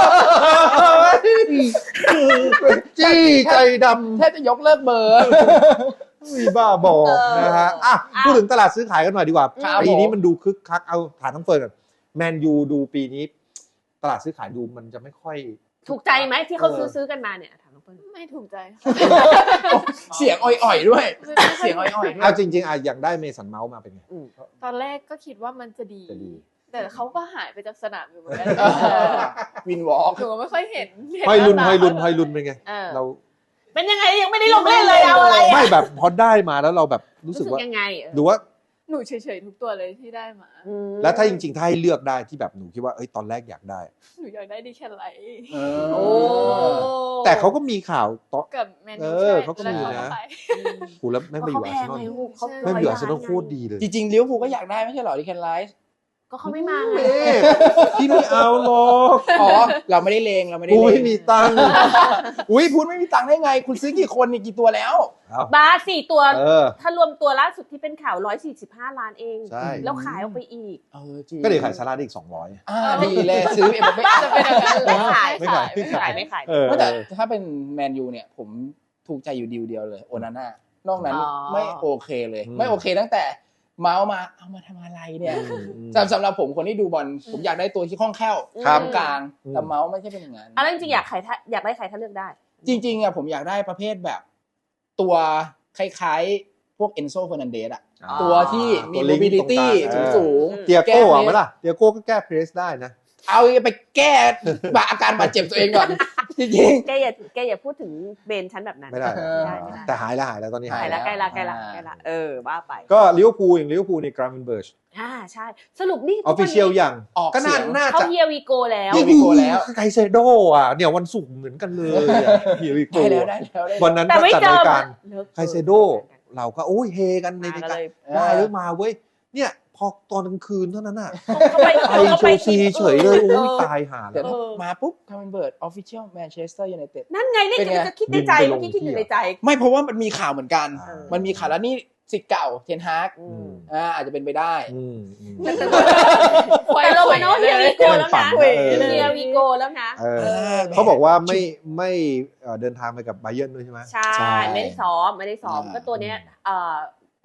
Speaker 1: จี้ใจดำ
Speaker 3: แทบจะยกเลิกเบอร์
Speaker 1: มีบ้าบอ
Speaker 2: เออ
Speaker 1: นะฮะอ่ะ
Speaker 2: อ่ะ
Speaker 1: พูดถึงตลาดซื้อขายกันหน่อยดีกว่า
Speaker 3: ครับ
Speaker 1: ปีนี้
Speaker 3: ผม
Speaker 1: มันดูคึกคักเอาฐานทั้งเฟิร์นก่อนแมนยูดูปีนี้ ตลาดซื้อขายดูมันจะไม่ค่อย
Speaker 2: ถูกใจไหมที่เขา
Speaker 1: เออ
Speaker 2: ซื้อซื้อกันมาเนี่ยถามน้องเปิ้ล
Speaker 4: ไม่ถูกใจ
Speaker 3: เสียงอ่อยๆด้วย เสียงอ่อยๆด้วย
Speaker 1: เอาจริงๆอ่ะอยากได้เมสันเมาส์มาเป็นไง
Speaker 4: ตอนแรกก็คิดว่ามันจะดี
Speaker 1: จะดี
Speaker 4: แต่เขาก็หายไปจากสนามอยู่เหมือนกัน
Speaker 3: เออวินวอล์ก
Speaker 4: หนูก็ไม่ค่อยเห็นเห็
Speaker 1: ห้อยลุน
Speaker 4: หา
Speaker 1: ห้อยลุน
Speaker 4: ตา
Speaker 1: ห้อยลุนเป็นไง
Speaker 2: เออ
Speaker 1: เรา
Speaker 2: เป็นยังไงยังไม่ได้ลงเล่นเลยเอาอะไร
Speaker 1: ไม่
Speaker 2: อะ
Speaker 1: แบบพอได้มาแล้วเราแบบรู้
Speaker 2: รู้
Speaker 1: สึ
Speaker 2: สึ
Speaker 1: ก
Speaker 2: ก
Speaker 1: ว่า
Speaker 2: ยังไงเออ
Speaker 1: หรือว่า
Speaker 4: หนูเฉยๆทุกตัวเลยที่ได้มา
Speaker 2: อืม
Speaker 1: แล้วถ้าจริงๆถ้าให้เลือกได้ที่แบบหนูคิดว่าเอ้ยตอนแรกอยากได้
Speaker 4: หนูอยากได้ดีแค่ไหน
Speaker 2: โอ้
Speaker 1: แต่เขาก็มีข่าวต่อ
Speaker 4: กับแมน
Speaker 1: เอ
Speaker 4: ยู
Speaker 1: อ
Speaker 4: ใช่
Speaker 1: เขาก็มี
Speaker 4: แล้ว
Speaker 1: นะ
Speaker 4: เขาไป
Speaker 1: กูแล้วไม่งไปอยู่
Speaker 2: เขา
Speaker 1: อา
Speaker 2: แพ
Speaker 1: ร์เซ
Speaker 2: ง
Speaker 1: นอล
Speaker 2: ไงลูกเขา
Speaker 1: ไม่งไปอยู่อาร์เซนอล
Speaker 2: ร้
Speaker 1: โคตรดีเลย
Speaker 3: จริงๆลิเวอร์พูลก็อยากได้ไม่ใช่เหรอดิแคนไลท์
Speaker 2: ก็เขาไม่มาไง
Speaker 1: เอ๊ะพี่ไม่เอาหรอก
Speaker 3: อ๋อ เราไม่ได้เลงเราไม่ได้
Speaker 1: กู
Speaker 3: เล
Speaker 1: ไม่
Speaker 3: ง
Speaker 1: มีตังค์
Speaker 3: อุ้ยพูดไม่มีตังค์ได้ไง คุณซื้อกี่คนนี่กี่ตัวแล้ว
Speaker 1: เอา
Speaker 2: บาสสี่ตัว
Speaker 1: เออ
Speaker 2: ถ้ารวมตัวล่าสุดที่เป็นข่าวร้อยสี่สิบห้าล้านเอง
Speaker 1: ใช่
Speaker 2: แล้วขายออกไปอีก
Speaker 3: เออจริง
Speaker 1: ก็เดี๋ยวขายซาร่าได้อีกสองร้อย
Speaker 3: อ่าดีเลยซื้อเอ็มบัปเป้
Speaker 4: จะเป็นอย่างนั้น
Speaker 2: ไม่ขาย
Speaker 1: ไม่ขาย
Speaker 2: ไม่ขายไม่ขาย
Speaker 1: เออ
Speaker 3: แต่ถ้าเป็นแมนยูเนี่ย ผมถูกใจอยู่ดีลเดียวเลยโอนาน่านอกนั้น
Speaker 2: อ๋อ
Speaker 3: ไม่โอเคเลย
Speaker 1: อืม
Speaker 3: ไม่โอเคตั้งแต่เมาส์มาเอามาทำอะไรเนี่ย
Speaker 1: อืมอืม
Speaker 3: สำสำหรับผมคนที่ดูบอลผมอยากได้ตัวที่คล่องแคล่ว
Speaker 1: ครับ
Speaker 3: ตรงกลาง
Speaker 1: อืม
Speaker 3: แต่เมาส์ไม่ใช่เป็นอย่างนั้น
Speaker 2: อันนั้นจริงๆอยากขายถ้าอยากได้ใครถ้าเลือกได้
Speaker 3: จริงๆอ่ะผมอยากได้ประเภทแบบตัวคล้ายๆ พวกเอนโซเฟอร์นันเดสอ่ะ
Speaker 1: อ่า
Speaker 3: ตัวที่มี
Speaker 1: ตัวลิงก์
Speaker 3: mobility
Speaker 1: ตรงกลาง
Speaker 3: สูง
Speaker 1: เออ
Speaker 3: ๆ
Speaker 1: เตียโก้
Speaker 3: แ
Speaker 1: อะไหมล่ะเตียโก้ก็แก้เพรสได้นะ
Speaker 3: เอาไปแก้บาอาการบาดเจ็บตัวเองก่อน จริง
Speaker 2: แกอย่าแกอย่าพูดถึงเบนชั้นแบบนั้น
Speaker 1: ไม่ได้
Speaker 2: ไม่ได้ไม่ได้
Speaker 1: แต่หายแล้วหายแล้วตอนนี้
Speaker 2: ใกล้
Speaker 1: หาย
Speaker 2: ละ
Speaker 1: แล้ว
Speaker 2: ใกล้ละใกล้ละ
Speaker 3: อ่า
Speaker 2: ใกล้ละเออว่าไป
Speaker 1: ก็ลิเวอร์พูลอย่างลิเวอร์พูลในกราเมนเบิร์ช
Speaker 2: อ่าใช่ สรุปนี่
Speaker 1: ออฟฟิเชียลอย่าง
Speaker 3: ออก
Speaker 1: ก็น่า
Speaker 3: เสียง
Speaker 1: น่า
Speaker 2: เขา
Speaker 1: จะ
Speaker 2: เฮียวีโกแล้ว
Speaker 3: เฮีย Vigo แล้ว
Speaker 1: ไกเซโดอ่ะเนี่ยวันศุกร์เหมือนกันเลยอะเฮียวิโก
Speaker 3: ได้แล้วได้แล้วได้แล้ว
Speaker 1: วันนั้น
Speaker 2: แต่
Speaker 1: ก็
Speaker 2: ไม่
Speaker 1: จัด
Speaker 2: เจอ
Speaker 1: รายการ
Speaker 2: เลิก
Speaker 1: ไกเซโด เราก็โอ้ยเฮกันใน
Speaker 2: มา
Speaker 1: รา
Speaker 2: กัน
Speaker 1: ยการ
Speaker 2: เลย
Speaker 1: ได้หรือมาเว้ยเนี่ยพอตอนกลางคืนเท่านั้นน่ะ
Speaker 2: เขาไป
Speaker 1: ไปเชลซีเฉยเลยโอ้ยตายห่า
Speaker 3: เดี๋
Speaker 1: แล้
Speaker 3: ยว วมาปุ๊บคาร์เมนเบิร์ดออฟฟิเชียลแมนเชสเตอร์ยูไนเต็ด
Speaker 2: นั่นไงนี่
Speaker 3: เป็นไง
Speaker 2: จะคิดในใจ
Speaker 1: บินไปล
Speaker 2: เมื่อง กี้คิดอยู่
Speaker 1: ที่
Speaker 2: ในใจ
Speaker 3: ไม่เพราะว่ามันมีข่าวเหมือนกัน
Speaker 1: อ่า
Speaker 3: มันมีข่าวแล้วนี่สิทธิ์เก่าเทนฮาก
Speaker 2: อืม
Speaker 3: อ่าอาจจะเป็นไปได้
Speaker 1: อืมอืม
Speaker 2: แต่เรามาโน้เฮียวีโกแล้ว
Speaker 1: ฝั
Speaker 2: นะ
Speaker 1: นเออ
Speaker 2: เฮียวีโกแล้วนะ
Speaker 1: เออเขาบอกว่าไม่ไม่เอ่อเดินทางไปกับไบเยิร์นด้วยใช่ไหม
Speaker 2: ใช่
Speaker 3: ใช่
Speaker 2: ไม่ได้ซ้อมไม่ได้ซ้อม
Speaker 3: อ่า
Speaker 2: ก็ตัวเนี้ยเอ่อ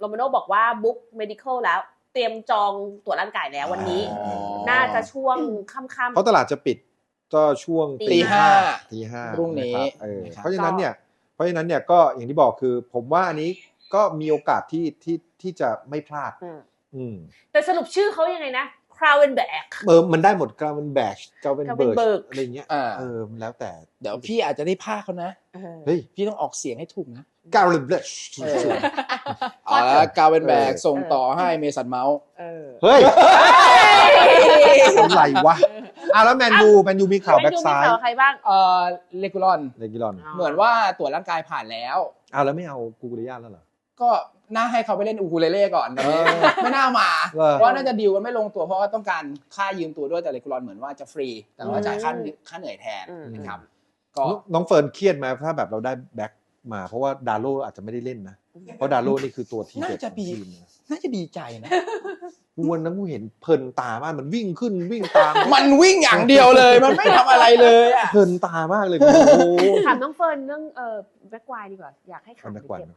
Speaker 2: โรมาโน่บอกว่าบุ๊ก medical แล้วเตรียมจองตรวจร่างกายแล้ววันนี้
Speaker 3: อ๋อ
Speaker 2: น่าจะช่วงค่ำ
Speaker 1: เพราะตลาดจะปิดก็ช่วง
Speaker 2: ตีห้า
Speaker 1: ตีห้า
Speaker 3: พรุ่งนี้
Speaker 1: ะคบเออ
Speaker 3: นะครับ
Speaker 1: เพราะฉะนั้นเนี่ยเพราะฉะนั้นเนี่ยก็อย่างที่บอกคือผมว่าอันนี้ก็มีโอกาสที่ที่ที่จะไม่พลาด
Speaker 2: อืม
Speaker 1: อืม
Speaker 2: แต่สรุปชื่อเขายังไงนะ Kravenberg
Speaker 1: เออมันได้หมดกราเวนแบชกราเวนเบิร์
Speaker 2: Gravenberch
Speaker 1: อะไรเงี้ย
Speaker 3: อ่า
Speaker 1: เออมันแล้วแต่
Speaker 3: เดี๋ยวพี่อาจจะได้พากเขานะ
Speaker 2: เออ
Speaker 1: เฮ้ย
Speaker 3: พี่ต้องออกเสียงให้ถูกนะ
Speaker 1: กราเวนแบช
Speaker 3: เออ เอาละกาเวนแบก
Speaker 1: เออ
Speaker 3: ส่งต่อให้เมสันเมาส์
Speaker 2: เออ
Speaker 1: เฮ้ยอะไรวะอ่ะแล้วแมนยูแมนยูมีข่าวแบ็กซ้าย
Speaker 2: ข่าวใครบ้าง
Speaker 3: เอ่อเลกูลอน
Speaker 1: เลกิลอน
Speaker 3: เหมือนว่าตรวจร่างกายผ่านแล้ว
Speaker 1: อ้าวแล้วไม่เอากูกุริยาแล้วเหรอ
Speaker 3: ก็น่าให้เขาไปเล่นอูคูเลเล่ก่อนตอนนี้
Speaker 1: เออ
Speaker 3: ไม่น่ามา
Speaker 1: เหรอ
Speaker 3: เพราะน่าจะดีลกันไม่ลงตัวเพราะว่าต้องการค่ายืมตัวด้วยแต่เลกูลอนเหมือนว่าจะฟรี แต่ว่าจ่ายค่าค่าเหนื่อยแทน
Speaker 2: อืม
Speaker 3: นะครับก็
Speaker 1: น้องเฟิร์นเครียดไหมถ้าแบบเราได้แบ็กมา เพราะว่าดาโลอาจจะไม่ได้เล่นนะ เพราะดาโลนี่คือตัวทีเด็ดของทีมนะ
Speaker 3: น่าจะดีใจนะ
Speaker 1: กูวันนั้นกูเห็นเพลินตามากมันวิ่งขึ้นวิ่งตาม
Speaker 3: มันวิ่งอย่างเดียวเลย มันไม่ทำอะไรเลยอ่ะ
Speaker 1: เพลินตามากเลยโอ้โห
Speaker 2: ถามน้องเฟิร์นเรื่องเอ่อแบ็กไวดีกว่า อยากให้ข่าว
Speaker 1: แบ็กไว
Speaker 2: เก็บ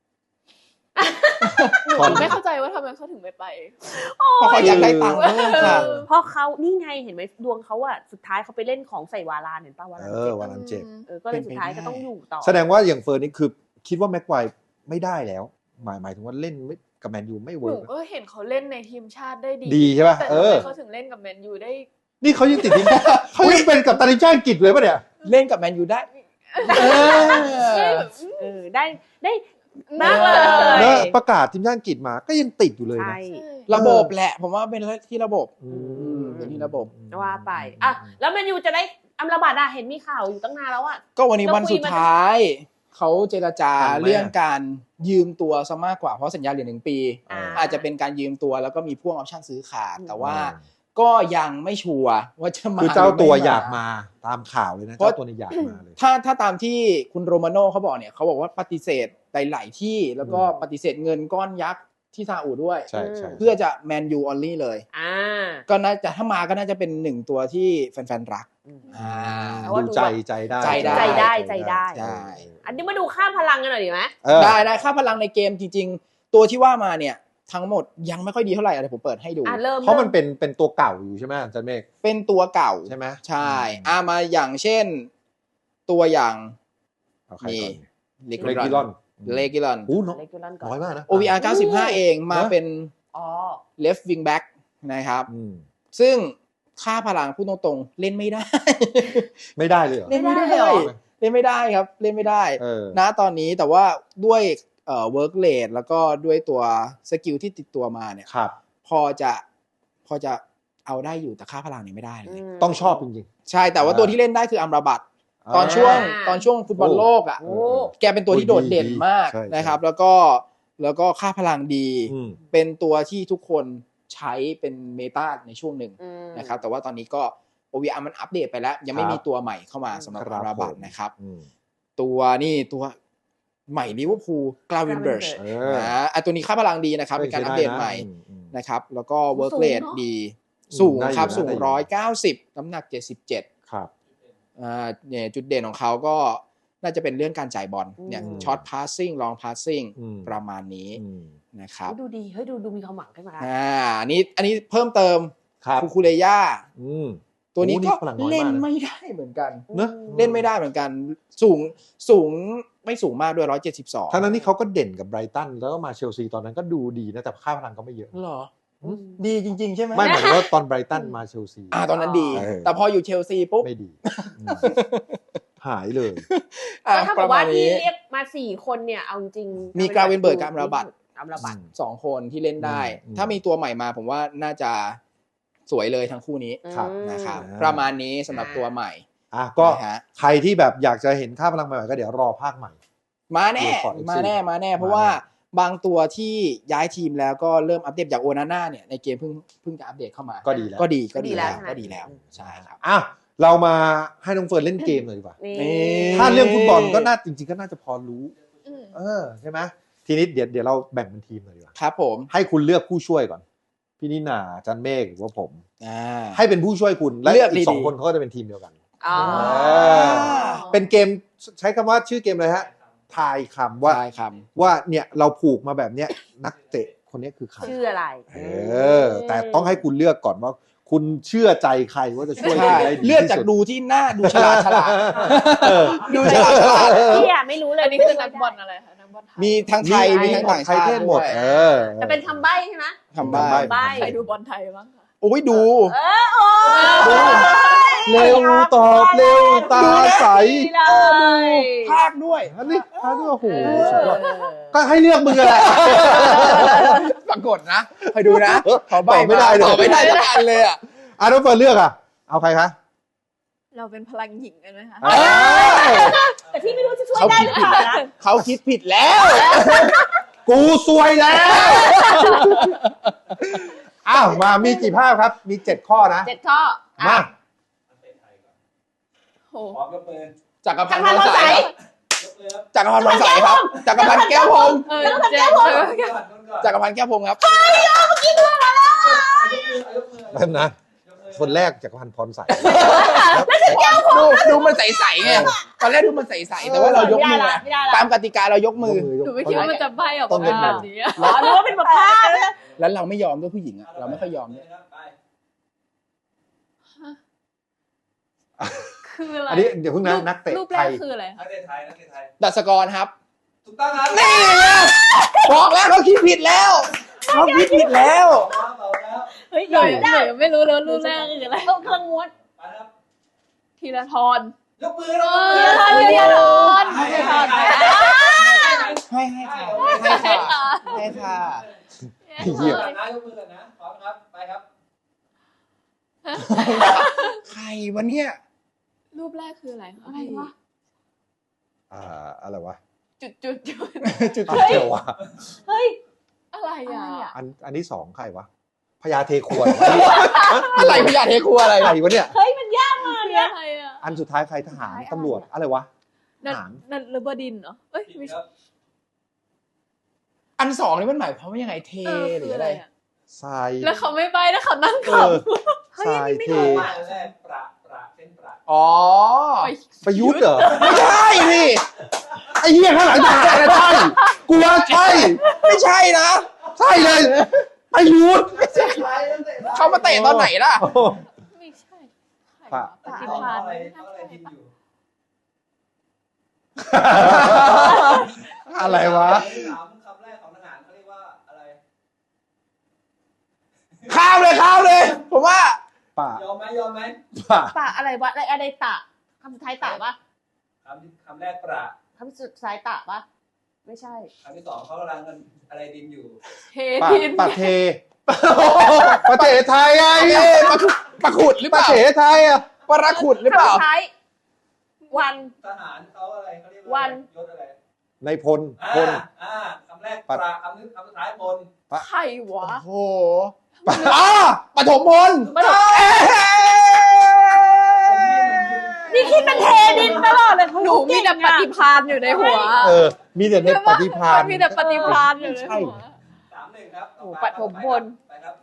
Speaker 4: หนูไม่เข้าใจว่าทำไมเขาถึงไม่ไป
Speaker 3: เพราะเขาอยากได้ตังค์เพิ่มค่ะ
Speaker 2: เพราะเขานี่ไงเห็นไหมดวงเขาอะสุดท้ายเขาไปเล่นของใส่วาลานเห็นป่าววาลาน
Speaker 1: เอ
Speaker 2: เจ็
Speaker 1: อบ วันนั้นเจ็บ
Speaker 2: เออก็เลยสุดท้ายก็ต้องอยู่ต่อ
Speaker 1: แสดงว่าอย่างเฟิร์นนี่คือคิดว่าแม็กไวไม่ได้แล้ว หมายหมายถึงว่าเล่นไม่กับแมนยูไม่
Speaker 4: ห
Speaker 1: เวิ
Speaker 4: นู
Speaker 1: ร์ก
Speaker 4: ก็เห็นเขาเล่นในทีมชาติได้ดี
Speaker 1: ดีใช่ป่ะ
Speaker 4: แต่
Speaker 1: เอ
Speaker 4: ทำ
Speaker 1: อ
Speaker 4: ไมเขาถึงเล่นกับแมนยูได้
Speaker 1: นี่เขายังติดทีมเขายังเป็นกับตันทีมชาติอังกฤษเลยป่ะเนี่ย
Speaker 3: เล่นกับแมนยูได้ เออ
Speaker 2: เออได้ได้มากเลย
Speaker 1: แล้วประกาศทีมชาติอังกฤษมาก็ยังติดอยู่เลย
Speaker 2: ใช่
Speaker 1: นะ
Speaker 3: ระบบแหละ ผมว่าเป็นที่ระบบ
Speaker 1: อื
Speaker 3: มเป็นที่ระบบ
Speaker 2: ว่าไปอ่ะแล้วแมนยูจะได้อัมราบัตอะเห็นมีข่าวอยู่ตั้งนานแล้วอะ
Speaker 3: ก็วันนี้วันสุดท้าย เขาเจรจา
Speaker 1: ทันไหม
Speaker 3: เรื่องการยืมตัวซะมากกว่าเพราะสัญญาเหลือหนึ่งปี
Speaker 2: อ่า
Speaker 3: อาจจะเป็นการยืมตัวแล้วก็มีพ่วงออปชั่นซื้อขาด
Speaker 2: อืม
Speaker 3: แต่ว่าก็ยังไม่ชัวร์ว่าจะมา
Speaker 1: คือเจ้าตัว
Speaker 3: หรืไม่
Speaker 1: อยากมาตามข่าวเลยนะ
Speaker 3: เพราะ
Speaker 1: เจ้าตัวนี้อยากมาเลย
Speaker 3: ถ้าถ้าตามที่คุณโรมาโน่เขาบอกเนี่ยเขาบอกว่าปฏิเสธหลายๆที่แล้วก็
Speaker 1: อืม
Speaker 3: ปฏิเสธเงินก้อนยักษ์ที่ซาอุด้วย
Speaker 1: ใช่ใช่
Speaker 3: เพื่อจะแมนยูออนลี่เลย
Speaker 2: อ่า
Speaker 3: ก็น่าจะถ้ามาก็น่าจะเป็นหนึ่งตัวที่แฟนๆรัก
Speaker 2: อืม
Speaker 3: อ่า
Speaker 2: เอาว่า
Speaker 1: ดู
Speaker 2: ดู
Speaker 1: ใจ
Speaker 2: แบบ
Speaker 1: ใจได้
Speaker 3: ใจได้
Speaker 2: ใจได้ใจได้
Speaker 3: ได้
Speaker 2: อันนี้มาดูข้ามพลังกันหน่อยดีไหม
Speaker 1: เออ
Speaker 3: ได้ได้ค่าพลังในเกมจริง ๆ ตัวที่ว่ามาเนี่ยทั้งหมดยังไม่ค่อยดีเท่าไหร่อะไรผมเปิดให้ดู
Speaker 2: อ่ะเริ่ม
Speaker 1: เพราะมันเป็นเป็นตัวเก่าอยู่ใช่ไหมอาจันเมฆ
Speaker 3: เป็นตัวเก่า
Speaker 1: ใช่ไหม
Speaker 3: ใช่
Speaker 1: อืม
Speaker 3: อ่ามาอย่างเช่น ตัวอย่าง
Speaker 1: เอาใครก่อน
Speaker 3: เล
Speaker 1: เลกิลอน
Speaker 3: เลกิลอน
Speaker 1: อู้น้อง
Speaker 2: เล็กยูรันก่อน
Speaker 1: น้อยมากนะ
Speaker 3: โอ วี อาร์ เก้าสิบห้า เองมา
Speaker 1: นะ
Speaker 3: เป็น
Speaker 2: อ๋อ
Speaker 3: left wing back นะครับ
Speaker 1: อืม
Speaker 3: ซึ่งค่าพลังพูดตรงๆเล่นไม่ได้
Speaker 1: ไม่ได้เลยเหรอ
Speaker 3: เล่นไม่ได้
Speaker 2: ไม่ได้เหรอ
Speaker 3: เล่นไม่ได้ครับ เล่นไม่ได้
Speaker 1: เออ
Speaker 3: นะตอนนี้แต่ว่าด้วยเอ่อ work rate แล้วก็ด้วยตัวสกิลที่ติดตัวมาเนี่ย
Speaker 1: ครับ
Speaker 3: พอจะพอจะเอาได้อยู่แต่ค่าพลังเนี่ยไม่ได้เลย
Speaker 2: ม
Speaker 1: ต้องชอบจริง
Speaker 3: ใช่แต่ว่า
Speaker 1: อ่า
Speaker 3: ตัวที่เล่นได้คืออัมราบัต
Speaker 1: ๆ
Speaker 3: ตอนช่วง
Speaker 2: อ่า
Speaker 3: ตอนช่วงฟุตบอลโลกอ่ะ
Speaker 1: โอ้
Speaker 2: โอ้
Speaker 3: แกเป็นตัวที่โดดเด่นมาก
Speaker 1: ใช่ใช่
Speaker 3: นะครับ แล้วก็แล้วก็ค่าพลังดี
Speaker 1: อืม
Speaker 3: เป็นตัวที่ทุกคนใช้เป็นเมตาในช่วงหนึ่ง
Speaker 2: อืม
Speaker 3: นะครับแต่ว่าตอนนี้ก็ โอ วี อาร์ มันอัปเดตไปแล้ว ยังไม่
Speaker 1: ครับ
Speaker 3: มีตัวใหม่เข้ามาสำหรับ
Speaker 1: ครับ
Speaker 3: อาราบัต
Speaker 1: ผม
Speaker 3: นะครับ
Speaker 1: อืม
Speaker 3: ตัวนี่ตัวใหม่ลิเวอร์พูลกลาเวนเบิร์ช
Speaker 1: เออ
Speaker 3: นะอ่ะตัวนี้ค่าพลังดีนะครับเป็นการอัปเดตใหม่
Speaker 1: อือืม
Speaker 3: นะครับ แล้วก็เวิร์ก
Speaker 2: สูง
Speaker 3: เรท
Speaker 2: เนอะ
Speaker 3: ดี
Speaker 1: อืม
Speaker 3: สูง
Speaker 1: ได้อยู่
Speaker 3: ครับ
Speaker 1: นะ
Speaker 3: สูง
Speaker 1: ได้อยู่
Speaker 3: ร้อยเก้าสิบน้ำหนักเจ็ดสิบเจ็ด
Speaker 1: ครับ
Speaker 3: อ่าเนี่ยจุดเด่นของเขาก็น่าจะเป็นเรื่องการจ่ายบอลเนี่ย
Speaker 1: อืม
Speaker 3: ช็อตพาสซิ่งลองพาสซิ่ง
Speaker 1: อืม
Speaker 3: ประมาณนี้
Speaker 1: อืม
Speaker 3: นะครับ
Speaker 2: ดูดีเฮ้ยดูดูมีความหวังขึ้นมา
Speaker 3: อ่าอันนี้อันนี้เพิ่มเติม
Speaker 1: ครับ
Speaker 3: คูคูเลย่า
Speaker 1: อืม
Speaker 3: ตัวนี้
Speaker 1: โอ้นี่
Speaker 3: ก็
Speaker 1: พลังน้อยมากนะ
Speaker 3: เล่นไม่ได้เหมือนกัน
Speaker 1: เนอะ
Speaker 3: เล่นไม่ได้เหมือนกัน สูงสูงไม่สูงมากด้วยร้อยเจ็ดสิบสอง
Speaker 1: ทั้งนั้นที่เขาก็เด่นกับไบรตันแล้วก็มาเชลซีตอนนั้นก็ดูดีนะแต่ค่าพลังก็ไม่เยอะ
Speaker 3: หรอ
Speaker 1: อืม
Speaker 3: ดีจริง ๆ ใช่ไหม
Speaker 1: ไม่หมายถึงว่าตอนไบรตันมาเชลซี
Speaker 3: อ่าตอนนั้นดี
Speaker 1: เออ
Speaker 3: แต่พออยู่เชลซีปุ๊บ
Speaker 1: ไม่ดีอืมหายเลย
Speaker 3: อ่ะ
Speaker 2: ก็ถ้า
Speaker 3: ป
Speaker 2: กับ
Speaker 3: ระมา
Speaker 2: ว่า
Speaker 3: ณ
Speaker 2: ที่
Speaker 3: นี้
Speaker 2: เรียกมาสี่คนเนี่ยเอาจริง
Speaker 3: มีกราเวนเบิร์กกับอัมราบัต
Speaker 2: อัมราบัต
Speaker 3: สองคนที่เล่นได้
Speaker 1: อืม
Speaker 3: ถ้ามีตัวใหม่มาผมว่าน่าจะสวยเลยทั้งคู่นี้
Speaker 1: ครับ
Speaker 3: นะครับ
Speaker 1: อ่า
Speaker 3: ประมาณนี้สำหรับตัวใหม่
Speaker 1: อ่ะก็
Speaker 3: นะฮะ
Speaker 1: ใครที่แบบอยากจะเห็นค่าพลังใหม่ๆก็เดี๋ยวรอภาคใหม่
Speaker 3: มาแน่
Speaker 1: ดูก่อน
Speaker 3: มาแน่มาแน่ เพราะว่าบางตัวที่ย้ายทีมแล้วก็เริ่มอัปเดตอย่างโอนาน่าเนี่ยในเกมเพิ่งเพิ่งจะอัปเดตเข้ามา
Speaker 1: ก็ดีแล้ว
Speaker 3: ก็ดีก็
Speaker 2: ก็ดี
Speaker 3: ดี
Speaker 2: แล้
Speaker 3: แล้ว ว
Speaker 2: ใช่ไหม
Speaker 3: ก็ดีแล้วใช่ครับ
Speaker 1: อ่ะเรามาให้น้องเฟิร์นเล่นเกมหน่อยดีกว่า
Speaker 2: นี่
Speaker 3: นี่
Speaker 1: ถ้าเรื่องฟุตบอลก็น่าจริงๆก็น่าจะพอรู้
Speaker 4: อืม
Speaker 1: เออใช่ไหมทีนี้เดี๋ยวเดี๋ยวเราแบ่งเป็นทีมหน่อยดีกว่า
Speaker 3: ครับผม
Speaker 1: ให้คุณเลือกผู้ช่วยก่อน พี่นิน่าจันเมฆหรือว่าผม
Speaker 3: อ่า
Speaker 1: ให้เป็นผู้ช่วยคุณและ
Speaker 3: เลือก
Speaker 1: อีกสอง
Speaker 3: ดีๆ
Speaker 1: คนเขาก็จะเป็นทีมเดียวกัน
Speaker 2: อ๋อ
Speaker 1: เออ เป็นเกมใช้คำว่าชื่อเกมอะไรฮะทายคำว่า
Speaker 3: ใช่ครับ
Speaker 1: ว่าเนี่ยเราผูกมาแบบเนี้ยนักเตะคนนี้คือใคร
Speaker 2: ชื่ออะไร
Speaker 1: เออ แต่ต้องให้คุณเลือกก่อนว่า คุณเชื่อใจใครว่าจะช่วยคุ
Speaker 3: ใช่
Speaker 1: ณได้ดี
Speaker 3: เลือก
Speaker 1: ที่
Speaker 3: จาก
Speaker 1: สุด
Speaker 3: ดูที่หน้าดูฉลาดฉลาด
Speaker 1: เออ
Speaker 3: ดูฉลาดฉลาด
Speaker 2: พี่อะไม่รู้เลย
Speaker 4: อันนี้คือนักบอลอะไรคะนักบอลไทย
Speaker 3: มีทั้งไทยมีทั้งต่าง
Speaker 1: ใคร
Speaker 3: ชาติ
Speaker 1: เทศหมด
Speaker 3: ด้วย
Speaker 1: เออ
Speaker 2: แต่เป็นคำใบ้ใช่ไหม
Speaker 3: คำใบ้
Speaker 1: คำใบ้
Speaker 4: ใครดูบอลไทยบ้างคะ
Speaker 3: โอ้ยดู
Speaker 2: เออโอ้
Speaker 1: เร็วตอบเร็วตาใส
Speaker 2: เลย
Speaker 3: ภาคด้วย
Speaker 1: อันนี้อันนี้โอ้โห
Speaker 2: เอ
Speaker 1: สุดยอด
Speaker 2: อ
Speaker 1: ก็ให้เลือกมึงกันแหละ
Speaker 3: ปรากฏนะคอยดูนะเขาใบ
Speaker 1: ตอบไม่ได้เลย
Speaker 3: ตอบไม่ได้สักอันเลยอ่ะ
Speaker 1: อ่ะน้องเฟิร์นเลือกอ่ะ เอาใครคะ
Speaker 4: เราเป็นพลังหญิงกันไหมคะ
Speaker 1: เอ้ย
Speaker 2: แต่พี่ไม่รู้จะช่วย
Speaker 3: เขา
Speaker 2: ได้
Speaker 3: คิ
Speaker 2: ห
Speaker 3: ด
Speaker 2: รือ
Speaker 3: ผิ
Speaker 2: เป
Speaker 3: ด
Speaker 2: ล่านะ
Speaker 3: เขาคิดผิดแล้ว
Speaker 1: กูซวยแล้ว อ้าวมามีกี่ภาพครับ มีเจ็ดข้อนะ
Speaker 2: เจ็ดข้อ
Speaker 1: มา
Speaker 4: โอ้
Speaker 5: พร้อมยกมือ
Speaker 3: จักรพั
Speaker 2: ทาน ง
Speaker 3: ธ์
Speaker 2: พัน
Speaker 3: พร
Speaker 2: ธ์
Speaker 3: ใส
Speaker 2: ใส
Speaker 3: ครับ
Speaker 5: ยกมือครับ
Speaker 3: จักรพันธ์พรใสครับจักรพันธ์แก้วพรหม
Speaker 4: เออเจ๊เออ
Speaker 5: ก่อนก่อน
Speaker 3: จักรพันธ์แก้วพรหมครับ
Speaker 5: ยกมือ
Speaker 1: แป๊บนะ คนแรกจากรพันธ์พรใส
Speaker 3: ดูดูมันใสๆไงตอนแรกดูมันใสๆแต่ว่าเรายกมือ
Speaker 2: ไม่ได้ละ
Speaker 3: อะ
Speaker 2: ไม่ได้ละ
Speaker 3: ตามกติกาเรายกมือ
Speaker 4: หนูไม่คิดว่ามันจะใบออก
Speaker 1: ต้
Speaker 4: มา
Speaker 1: อง
Speaker 4: เป็
Speaker 1: เป็น น
Speaker 4: แบบนี้อะ
Speaker 2: อ๋อรู้ว่าเป็นแบบภาพนะ
Speaker 3: แล้วเราไม่ยอมด้วยผู้หญิงอะเราไม่ค่อยยอมด้วย
Speaker 5: ไป
Speaker 4: คืออะไร
Speaker 1: อันนี้เดี๋ยวเพิ่งนะนักเตะ
Speaker 4: รูปแร
Speaker 1: ไท
Speaker 4: ก
Speaker 1: ย
Speaker 4: คืออะไร
Speaker 5: นั
Speaker 4: คะ
Speaker 5: กเตะไทยนักเตะไทย
Speaker 3: ดัชกรครับ
Speaker 5: ถูกต้องครับ
Speaker 3: นี่ไงบอกแล้วเขาคิดผิดแล้วเขาคิดผิดแล้ว
Speaker 5: ตอบแล้ว
Speaker 2: เฮ้ย
Speaker 4: หนู
Speaker 2: ยอมได้
Speaker 4: หนูไม่รู้เลยว่ารูปแรกคืออะไร
Speaker 2: ต้องเครื่องม้วน
Speaker 5: ไปครับ
Speaker 4: ธีรทร
Speaker 5: ยกมือ
Speaker 4: เอ
Speaker 5: นะ
Speaker 4: อธีรทร
Speaker 5: ให้
Speaker 4: ธีรทร
Speaker 3: ให้ให้ค่ะให้ค่ะให้ค่ะ
Speaker 1: เหี้ย
Speaker 5: นะยกมือกันนะพร้อมครับไปครับ
Speaker 3: ใครวะเนี่ย
Speaker 4: รูปแรกคืออะไรคะ
Speaker 2: อะไรวะ
Speaker 1: อ่าอะไรวะ
Speaker 4: จุดจุดจุด
Speaker 3: จุด
Speaker 1: อ่ะเดี๋ยววะ
Speaker 2: เฮ้ย
Speaker 4: อะไรอ่ะ
Speaker 2: อะไรอะ
Speaker 1: อันอันที่สองใครวะพญาเทควรวะ
Speaker 3: อะไรพยาเทครัวอะไร
Speaker 1: ใครวะเนี่ย
Speaker 2: เฮ้ยมันยากมาก
Speaker 4: คือ
Speaker 2: เนี่ย
Speaker 4: อะไรอ่ะ
Speaker 1: อันสุดท้ายใครทหารตำรวจอะไรวะ
Speaker 4: นั่น
Speaker 1: หาง
Speaker 4: นั่นเรือเบอร์ดินเหรอเอ้ย
Speaker 5: ผิด
Speaker 4: ไม่
Speaker 5: ค
Speaker 4: ใช่
Speaker 5: รับ
Speaker 3: อันสองนี่มันหมายความว่ายังไงเท
Speaker 4: เออ
Speaker 3: หรื
Speaker 4: คือ อ
Speaker 3: อะ
Speaker 4: อะไร ไรอ่ะ
Speaker 1: ทราย
Speaker 4: แล้วเขาไม่ใบแล้วเขานั่ง
Speaker 1: เอ
Speaker 4: ขับ
Speaker 1: อ
Speaker 2: เฮ้ย
Speaker 1: ทราย
Speaker 2: อันนี้ไม่
Speaker 1: เท
Speaker 2: รู้
Speaker 5: มา
Speaker 2: อะ
Speaker 5: แรกประประเส้นประ
Speaker 3: อ๋อ
Speaker 1: ประยุทธ์เหรอ
Speaker 3: ไม่ใช่นี่
Speaker 1: ไอ้เหี้ยข้างหลังทหารนะใช่กูว่าใช่
Speaker 3: ไม่ใช่นะ
Speaker 1: ใช่เลยประยุทธ์
Speaker 3: เขามาเตะตอนไหนล่ะ
Speaker 4: ไม่ใช่ใคร
Speaker 1: ปะ
Speaker 4: วะปฏิ
Speaker 5: เขา
Speaker 4: ภาณ
Speaker 5: อะไร
Speaker 4: ไม่
Speaker 5: เขา
Speaker 4: น่า
Speaker 5: อะไร
Speaker 4: ใช่
Speaker 5: ดินอยู่
Speaker 1: อะไรวะ
Speaker 5: ถามคำแรกของทหารเขาเรียกว่าอะไร
Speaker 3: ข้ามเลยข้ามเลย ผมว่า
Speaker 1: ป่าย
Speaker 5: อมไหมยอมไหม
Speaker 1: ป่า
Speaker 2: ตะอะไรวะอะไรอะไรตะคำสุดท้ายตะปะ
Speaker 5: คำคำแรกประ
Speaker 2: คำสุดท้ายตะปะไม่ใช่
Speaker 5: คำที่สองเขากำลังกันอะไรดินอยู่
Speaker 4: เท
Speaker 1: ป่า
Speaker 4: ทิน
Speaker 1: ป่าเทประเทศไทยไง
Speaker 3: เอ๊ะปะขุดปะขุดหรือเป
Speaker 1: ประ
Speaker 3: ล่า
Speaker 1: เทศไทยอ่ะ
Speaker 3: ปะระขุดหรือเปล่า
Speaker 2: คำสุดท้ายวัน
Speaker 5: ทหารเขาอะไรเขาเรียก
Speaker 2: วั
Speaker 5: ว่าน ยศอะไร
Speaker 1: ในพล
Speaker 5: อ่า
Speaker 1: พล
Speaker 5: อ่าคำแรกประคำนึงคำสุดท้ายพล
Speaker 4: ใครวะ
Speaker 3: โอ้โหอ๋อปฐมพล
Speaker 2: ปฐม
Speaker 3: เอ๊ะ
Speaker 2: นี่คิดเป็นเทดินตลอดเลย
Speaker 4: หนูมีแต่ปฏิภาณอยู่ในหัว
Speaker 1: เออ มีแต่ในปฏิภาณ
Speaker 4: มันมีแต่ปฏิภาณอยู่ในหัว
Speaker 5: สามหนึ่งครับ
Speaker 2: โอ้ปฐมพล
Speaker 5: ไปครับ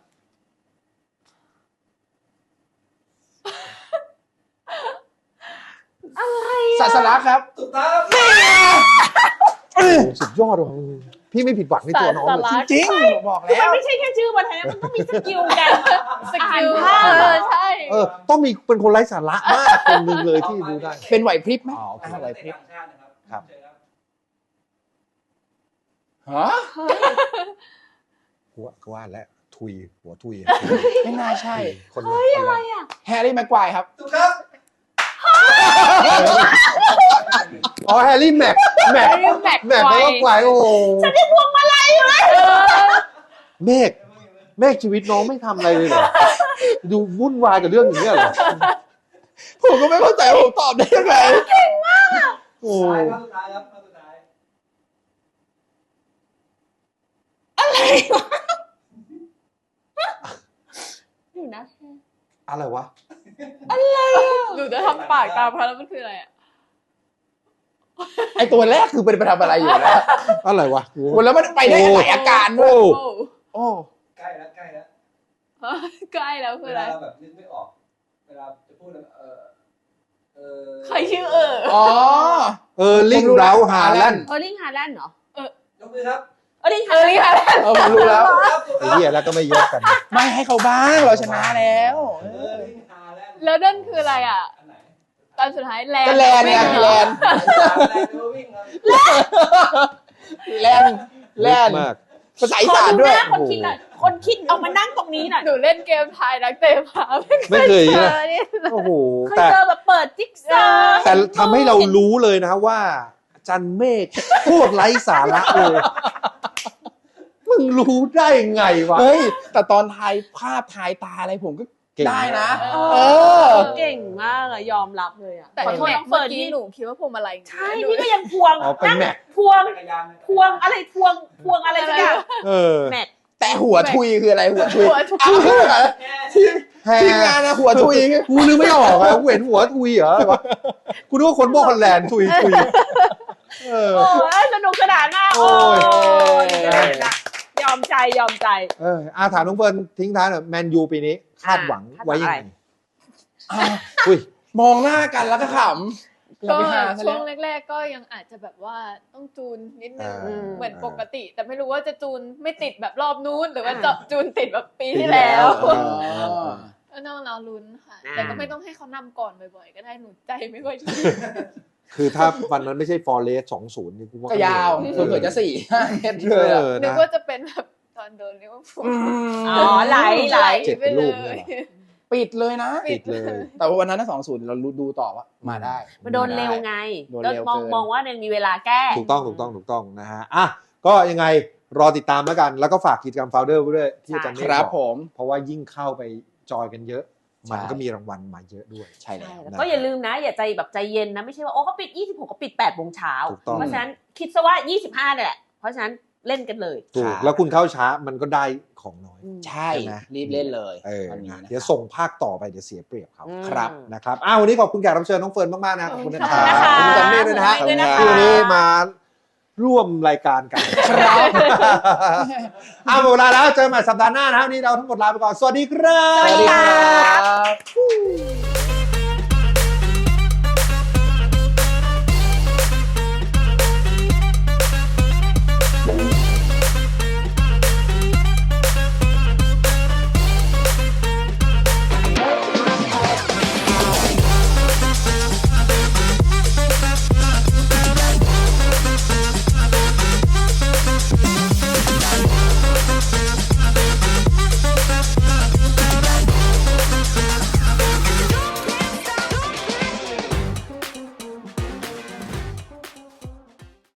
Speaker 3: ศาสนาครับ
Speaker 5: ถูกต้อง
Speaker 1: โอ้โหสุดยอดว่ะพี่ไม่ผิดหวังในตัวน้องเลย
Speaker 2: ศาสนา
Speaker 3: จริงบอก
Speaker 2: คือ
Speaker 3: แล้
Speaker 2: มัน
Speaker 3: ว
Speaker 2: ไม่ใช่แค่ชื่อบนไทยนะมันต้องมีสกิลการ
Speaker 4: สกิล
Speaker 2: อ่านภาพ
Speaker 4: เออใช่
Speaker 1: เออ ต้องมีเป็นคนไร้สาระมากคนหนึ่งเลยที่รู้ได้
Speaker 3: เป็นไหวพริบไหม
Speaker 1: อ๋อโอเค
Speaker 5: อ่า
Speaker 1: อะไรพริบ
Speaker 5: ต่างชาตินะครับ
Speaker 1: ครับ
Speaker 5: เชิญครับ
Speaker 3: ฮะ
Speaker 1: กูว่ากูว่าแล้วทุยหัวทุย
Speaker 3: ไม่น่าใช่
Speaker 1: คนเฮ้ยอะไรอ่ะ
Speaker 3: แฮร์รี่แม็กควายครับ
Speaker 5: ถูกครับ
Speaker 1: อ๋อแฮร์รี่แม็กแม็ก
Speaker 2: แม็ก
Speaker 1: แม็กแล้วก็ไกวโอ้โห
Speaker 2: ฉันได้พวงมาลัยอยู่เลย
Speaker 1: เมฆเมฆชีวิตน้องไม่ทำอะไรเลยเหรอดูวุ่นวายกับเรื่องอย่างเงี้ยเหรอ
Speaker 3: ผมก็ไม่เข้าใจว่าผมตอบได้ยังไง
Speaker 1: โอ้
Speaker 5: ท้ายข้อสุดท้ายครับข้อสุดท้าย
Speaker 2: อยู่นะ
Speaker 1: อะไรวะ
Speaker 4: หนูจะทำปากตามเขาแล้วมันคืออะไรอ่ะ
Speaker 3: ไอตัวแรกคือเป็นไปทำอะไรอยู่แล้ว
Speaker 1: อะไรวะกู
Speaker 3: โอ้แล้วมันไปได้หลายอาการด้ว
Speaker 1: โอ้
Speaker 3: ย
Speaker 4: โอ้
Speaker 3: โอ้
Speaker 5: ใกล้แล้วใกล้แล้ว
Speaker 4: ใกล้แล้วคือ
Speaker 5: เว
Speaker 4: อะไร
Speaker 5: ลาเราแบบนึกไม่ออก เวลาจะพูดแล้วเออเออ
Speaker 4: ใครชื่อเออ
Speaker 3: อ๋อ
Speaker 1: เออลิงเบราฮาแลนด์
Speaker 2: เออร์ลิงฮาแลนด์เหรอ
Speaker 5: ยกมือครับ
Speaker 2: เออร์ลิง
Speaker 4: เอ
Speaker 2: ฮา
Speaker 4: อ
Speaker 2: แลน
Speaker 4: นี่
Speaker 2: ด์
Speaker 4: ค่ะ
Speaker 3: เออผมรู้แล้ว
Speaker 5: ครับถูก
Speaker 1: ไอ้
Speaker 5: ครับ
Speaker 1: เหี้ยแล้วก็ไม่ยกกัน
Speaker 3: ไม่ให้เขาบ้างเราชนะแล้ว
Speaker 5: เออลิงฮาแลนด์
Speaker 4: แล้วนั่นคืออะไรอ่ะ
Speaker 5: อันไหน
Speaker 4: ตอนสุดท้ายแลน
Speaker 3: ก็
Speaker 4: ด์
Speaker 3: แลนด์ไงแลนด์
Speaker 5: แลนด์หรือว่าวิ่งครับ
Speaker 3: แลนด์แลนด์
Speaker 1: มาก
Speaker 3: ภาษาอี
Speaker 2: ขอ
Speaker 3: สาน
Speaker 2: ดู
Speaker 3: ด้ว
Speaker 2: ห
Speaker 3: ย
Speaker 2: น้าคนคิดหน่อยคนคิดเอามานั่งตรงนี้หน่อย
Speaker 4: หนูเล่นเกมทายนักเตะมา
Speaker 1: ไม่เคย
Speaker 2: เอ
Speaker 1: นะ
Speaker 2: อเนี่ย
Speaker 1: โอ้โห
Speaker 2: เคย
Speaker 1: แต่
Speaker 2: เจอแบบเปิดจิ๊กซอว์
Speaker 1: แต่ทำให้เรารู้เลยนะว่าอาจันเมฆโคตรไร้สาระเลย มึงรู้ได้ไงวะ
Speaker 3: เฮ้ย แต่ตอนทายภาพทายตาอะไรผมก็
Speaker 1: เก่ง
Speaker 3: ได้นะ
Speaker 2: เอ
Speaker 3: เอ
Speaker 2: อ
Speaker 3: อ
Speaker 2: เก่งมากอะยอมรับเลยอะ
Speaker 4: แต่
Speaker 2: ขอโทษ
Speaker 4: แม็
Speaker 2: น้
Speaker 4: ก
Speaker 2: อง
Speaker 4: เมื่
Speaker 2: เฟิ
Speaker 4: อ
Speaker 2: ร์น
Speaker 4: กี้
Speaker 2: ที่
Speaker 4: หนูคิดว่าพวงมาลัย
Speaker 2: ใช่พี่ก็ยังพวง
Speaker 1: อ๋อเป็นแม็ก
Speaker 2: พวง
Speaker 5: จักรยานนะ
Speaker 2: พวงอะไรพวงพวงอะไรสักอย่าง
Speaker 1: เออ
Speaker 2: แม็ก
Speaker 3: แต่หัวทุยคืออะไรหัวทุย
Speaker 4: หัวทุก
Speaker 3: อ้าว
Speaker 5: แค่
Speaker 3: ทีม
Speaker 1: แฮ
Speaker 3: ทีมงานนะหัวทุย
Speaker 1: กูนึกไม่ออกอะกูเห็นหัวทุยเหรออะไรวะกูนึกว่าคนบอกฮอลแลนด์ทุยทุยเออ
Speaker 2: โอ้ยสนุกสนานมาก
Speaker 1: โอ้
Speaker 2: โอ้
Speaker 1: ย
Speaker 2: ยยอมใจยอมใจ
Speaker 1: เอออาถามน้องเฟิร์นทิ้งท้ายหน่อยแมนยูปีนี้คาดหวัง
Speaker 2: คาดหวั
Speaker 1: ไว้
Speaker 2: ง
Speaker 1: ยัง
Speaker 2: อะไร
Speaker 1: ไงอุ้ย
Speaker 3: มองหน้ากันแล้วก็ขำ
Speaker 4: ก็
Speaker 3: เราไปหาซะ
Speaker 4: ช่ว
Speaker 3: แล้ว
Speaker 4: งแรก ๆ ก็ยังอาจจะแบบว่าต้องจูนนิดนึง
Speaker 1: อ่า
Speaker 4: เหมือนปกติ แต่ไม่รู้ว่าจะจูนไม่ติดแบบรอบนู้นหรือว่า
Speaker 2: อ่า
Speaker 4: จะจูนติดแบบปี
Speaker 1: ปี
Speaker 4: ที่
Speaker 1: ที่แล้
Speaker 4: แล้ว ว
Speaker 3: อ๋อ
Speaker 4: ก็ต้องรอลุ้นค่ะ
Speaker 2: อ่า
Speaker 4: แต่ก็ไม่ต้องให้เขานำก่อนบ่อยๆ ก็ได้หนูใจไม่ค่อยดี
Speaker 1: คือถ้าวันนั้นไม่ใช่ฟอร์เรสสองศูนย์นี่กูว่า
Speaker 3: ก็ยาว
Speaker 1: เออ
Speaker 3: เผื่อๆจะสี่ห้าเมตร
Speaker 1: เอ
Speaker 3: เลยอะ
Speaker 1: อ
Speaker 4: นึก
Speaker 1: นะ
Speaker 4: ว่าจะเป็นแบบตอนโดนเรียกว่าพูล
Speaker 2: อ๋อไหลไหล
Speaker 1: เจ็บ
Speaker 4: ไป
Speaker 1: เป็น
Speaker 4: เล
Speaker 1: รูปเนี่ย
Speaker 4: ย
Speaker 1: เหรอ
Speaker 3: ปิดเลยนะ
Speaker 1: ปิดเลย
Speaker 3: แต่ว่าวันนั้นสองศูนย์เราดูต่อว่ามาได้
Speaker 2: มันโดนเร็วไง
Speaker 3: โดน
Speaker 2: ก็
Speaker 3: เร็ว
Speaker 2: มอง
Speaker 3: เกิน
Speaker 2: มองว่ายังมีเวลาแก้
Speaker 1: ถูกต้องถูกต้องถูกต้องนะฮะอ่ะก็ยังไงรอติดตามแล้วกัน แล้วก็ฝากกิจกรรมโฟลเดอร์ไว้ด้วยที่อาจารย์เมฆ
Speaker 3: ครับ
Speaker 1: อก
Speaker 3: ผม
Speaker 1: เพราะว่ายิ่งเข้าไปจอยกันเยอะ
Speaker 3: ใช่
Speaker 1: มันก็มีรางวัลมาเยอะด้วย
Speaker 3: ใช่แล้ว
Speaker 2: ใช่แล้วก็อย่าลืมนะ อย่าใจแบบใจเย็นนะ ไม่ใช่ว่า โอ้เขาปิด ยี่สิบหกเขาปิดแปดโมงเช้า
Speaker 1: ถูกต้อง
Speaker 2: เพราะฉะนั้นคิดซะว่า ยี่สิบห้าเนี่ยแหละ เพราะฉะนั้นเล่นกันเลย
Speaker 1: ถู
Speaker 3: ค
Speaker 1: ก
Speaker 3: รับ
Speaker 1: แล้วคุณเข้าช้ามันก็ได้ของน้อย
Speaker 3: ใช่
Speaker 1: ใช่ไหม
Speaker 3: รีบเล่นเลย
Speaker 1: เออ
Speaker 3: วันนี้
Speaker 1: นะ
Speaker 3: นะ
Speaker 1: เดี๋ยวส่งภาคต่อไปเดี๋ยวเสียเปรียบเขา
Speaker 2: อืม
Speaker 3: ครับ
Speaker 1: นะครับอ้าววันนี้ขอบคุณแขกรับเชิญน้องเฟิร์นมากๆนะขอบคุณนะ
Speaker 2: ขอบ
Speaker 1: ค
Speaker 2: คุ
Speaker 1: รั
Speaker 2: ณ
Speaker 1: บ
Speaker 2: นะคะ
Speaker 1: ขอบคุณอาจารย์เมฆด้วยนะฮะ
Speaker 2: ขอบคุณด้วยนะคะ
Speaker 1: ที่วันนี้มาร่วมรายการกัน
Speaker 3: ครับ
Speaker 1: อ้าวหมดเวลาแล้วเจอกันใหม่สัปดาห์หน้านะครับวันนี้เราทั้งหมดลาไปก่อนสวัสดีครับ
Speaker 2: สวัสดีค่ะ
Speaker 3: ครับ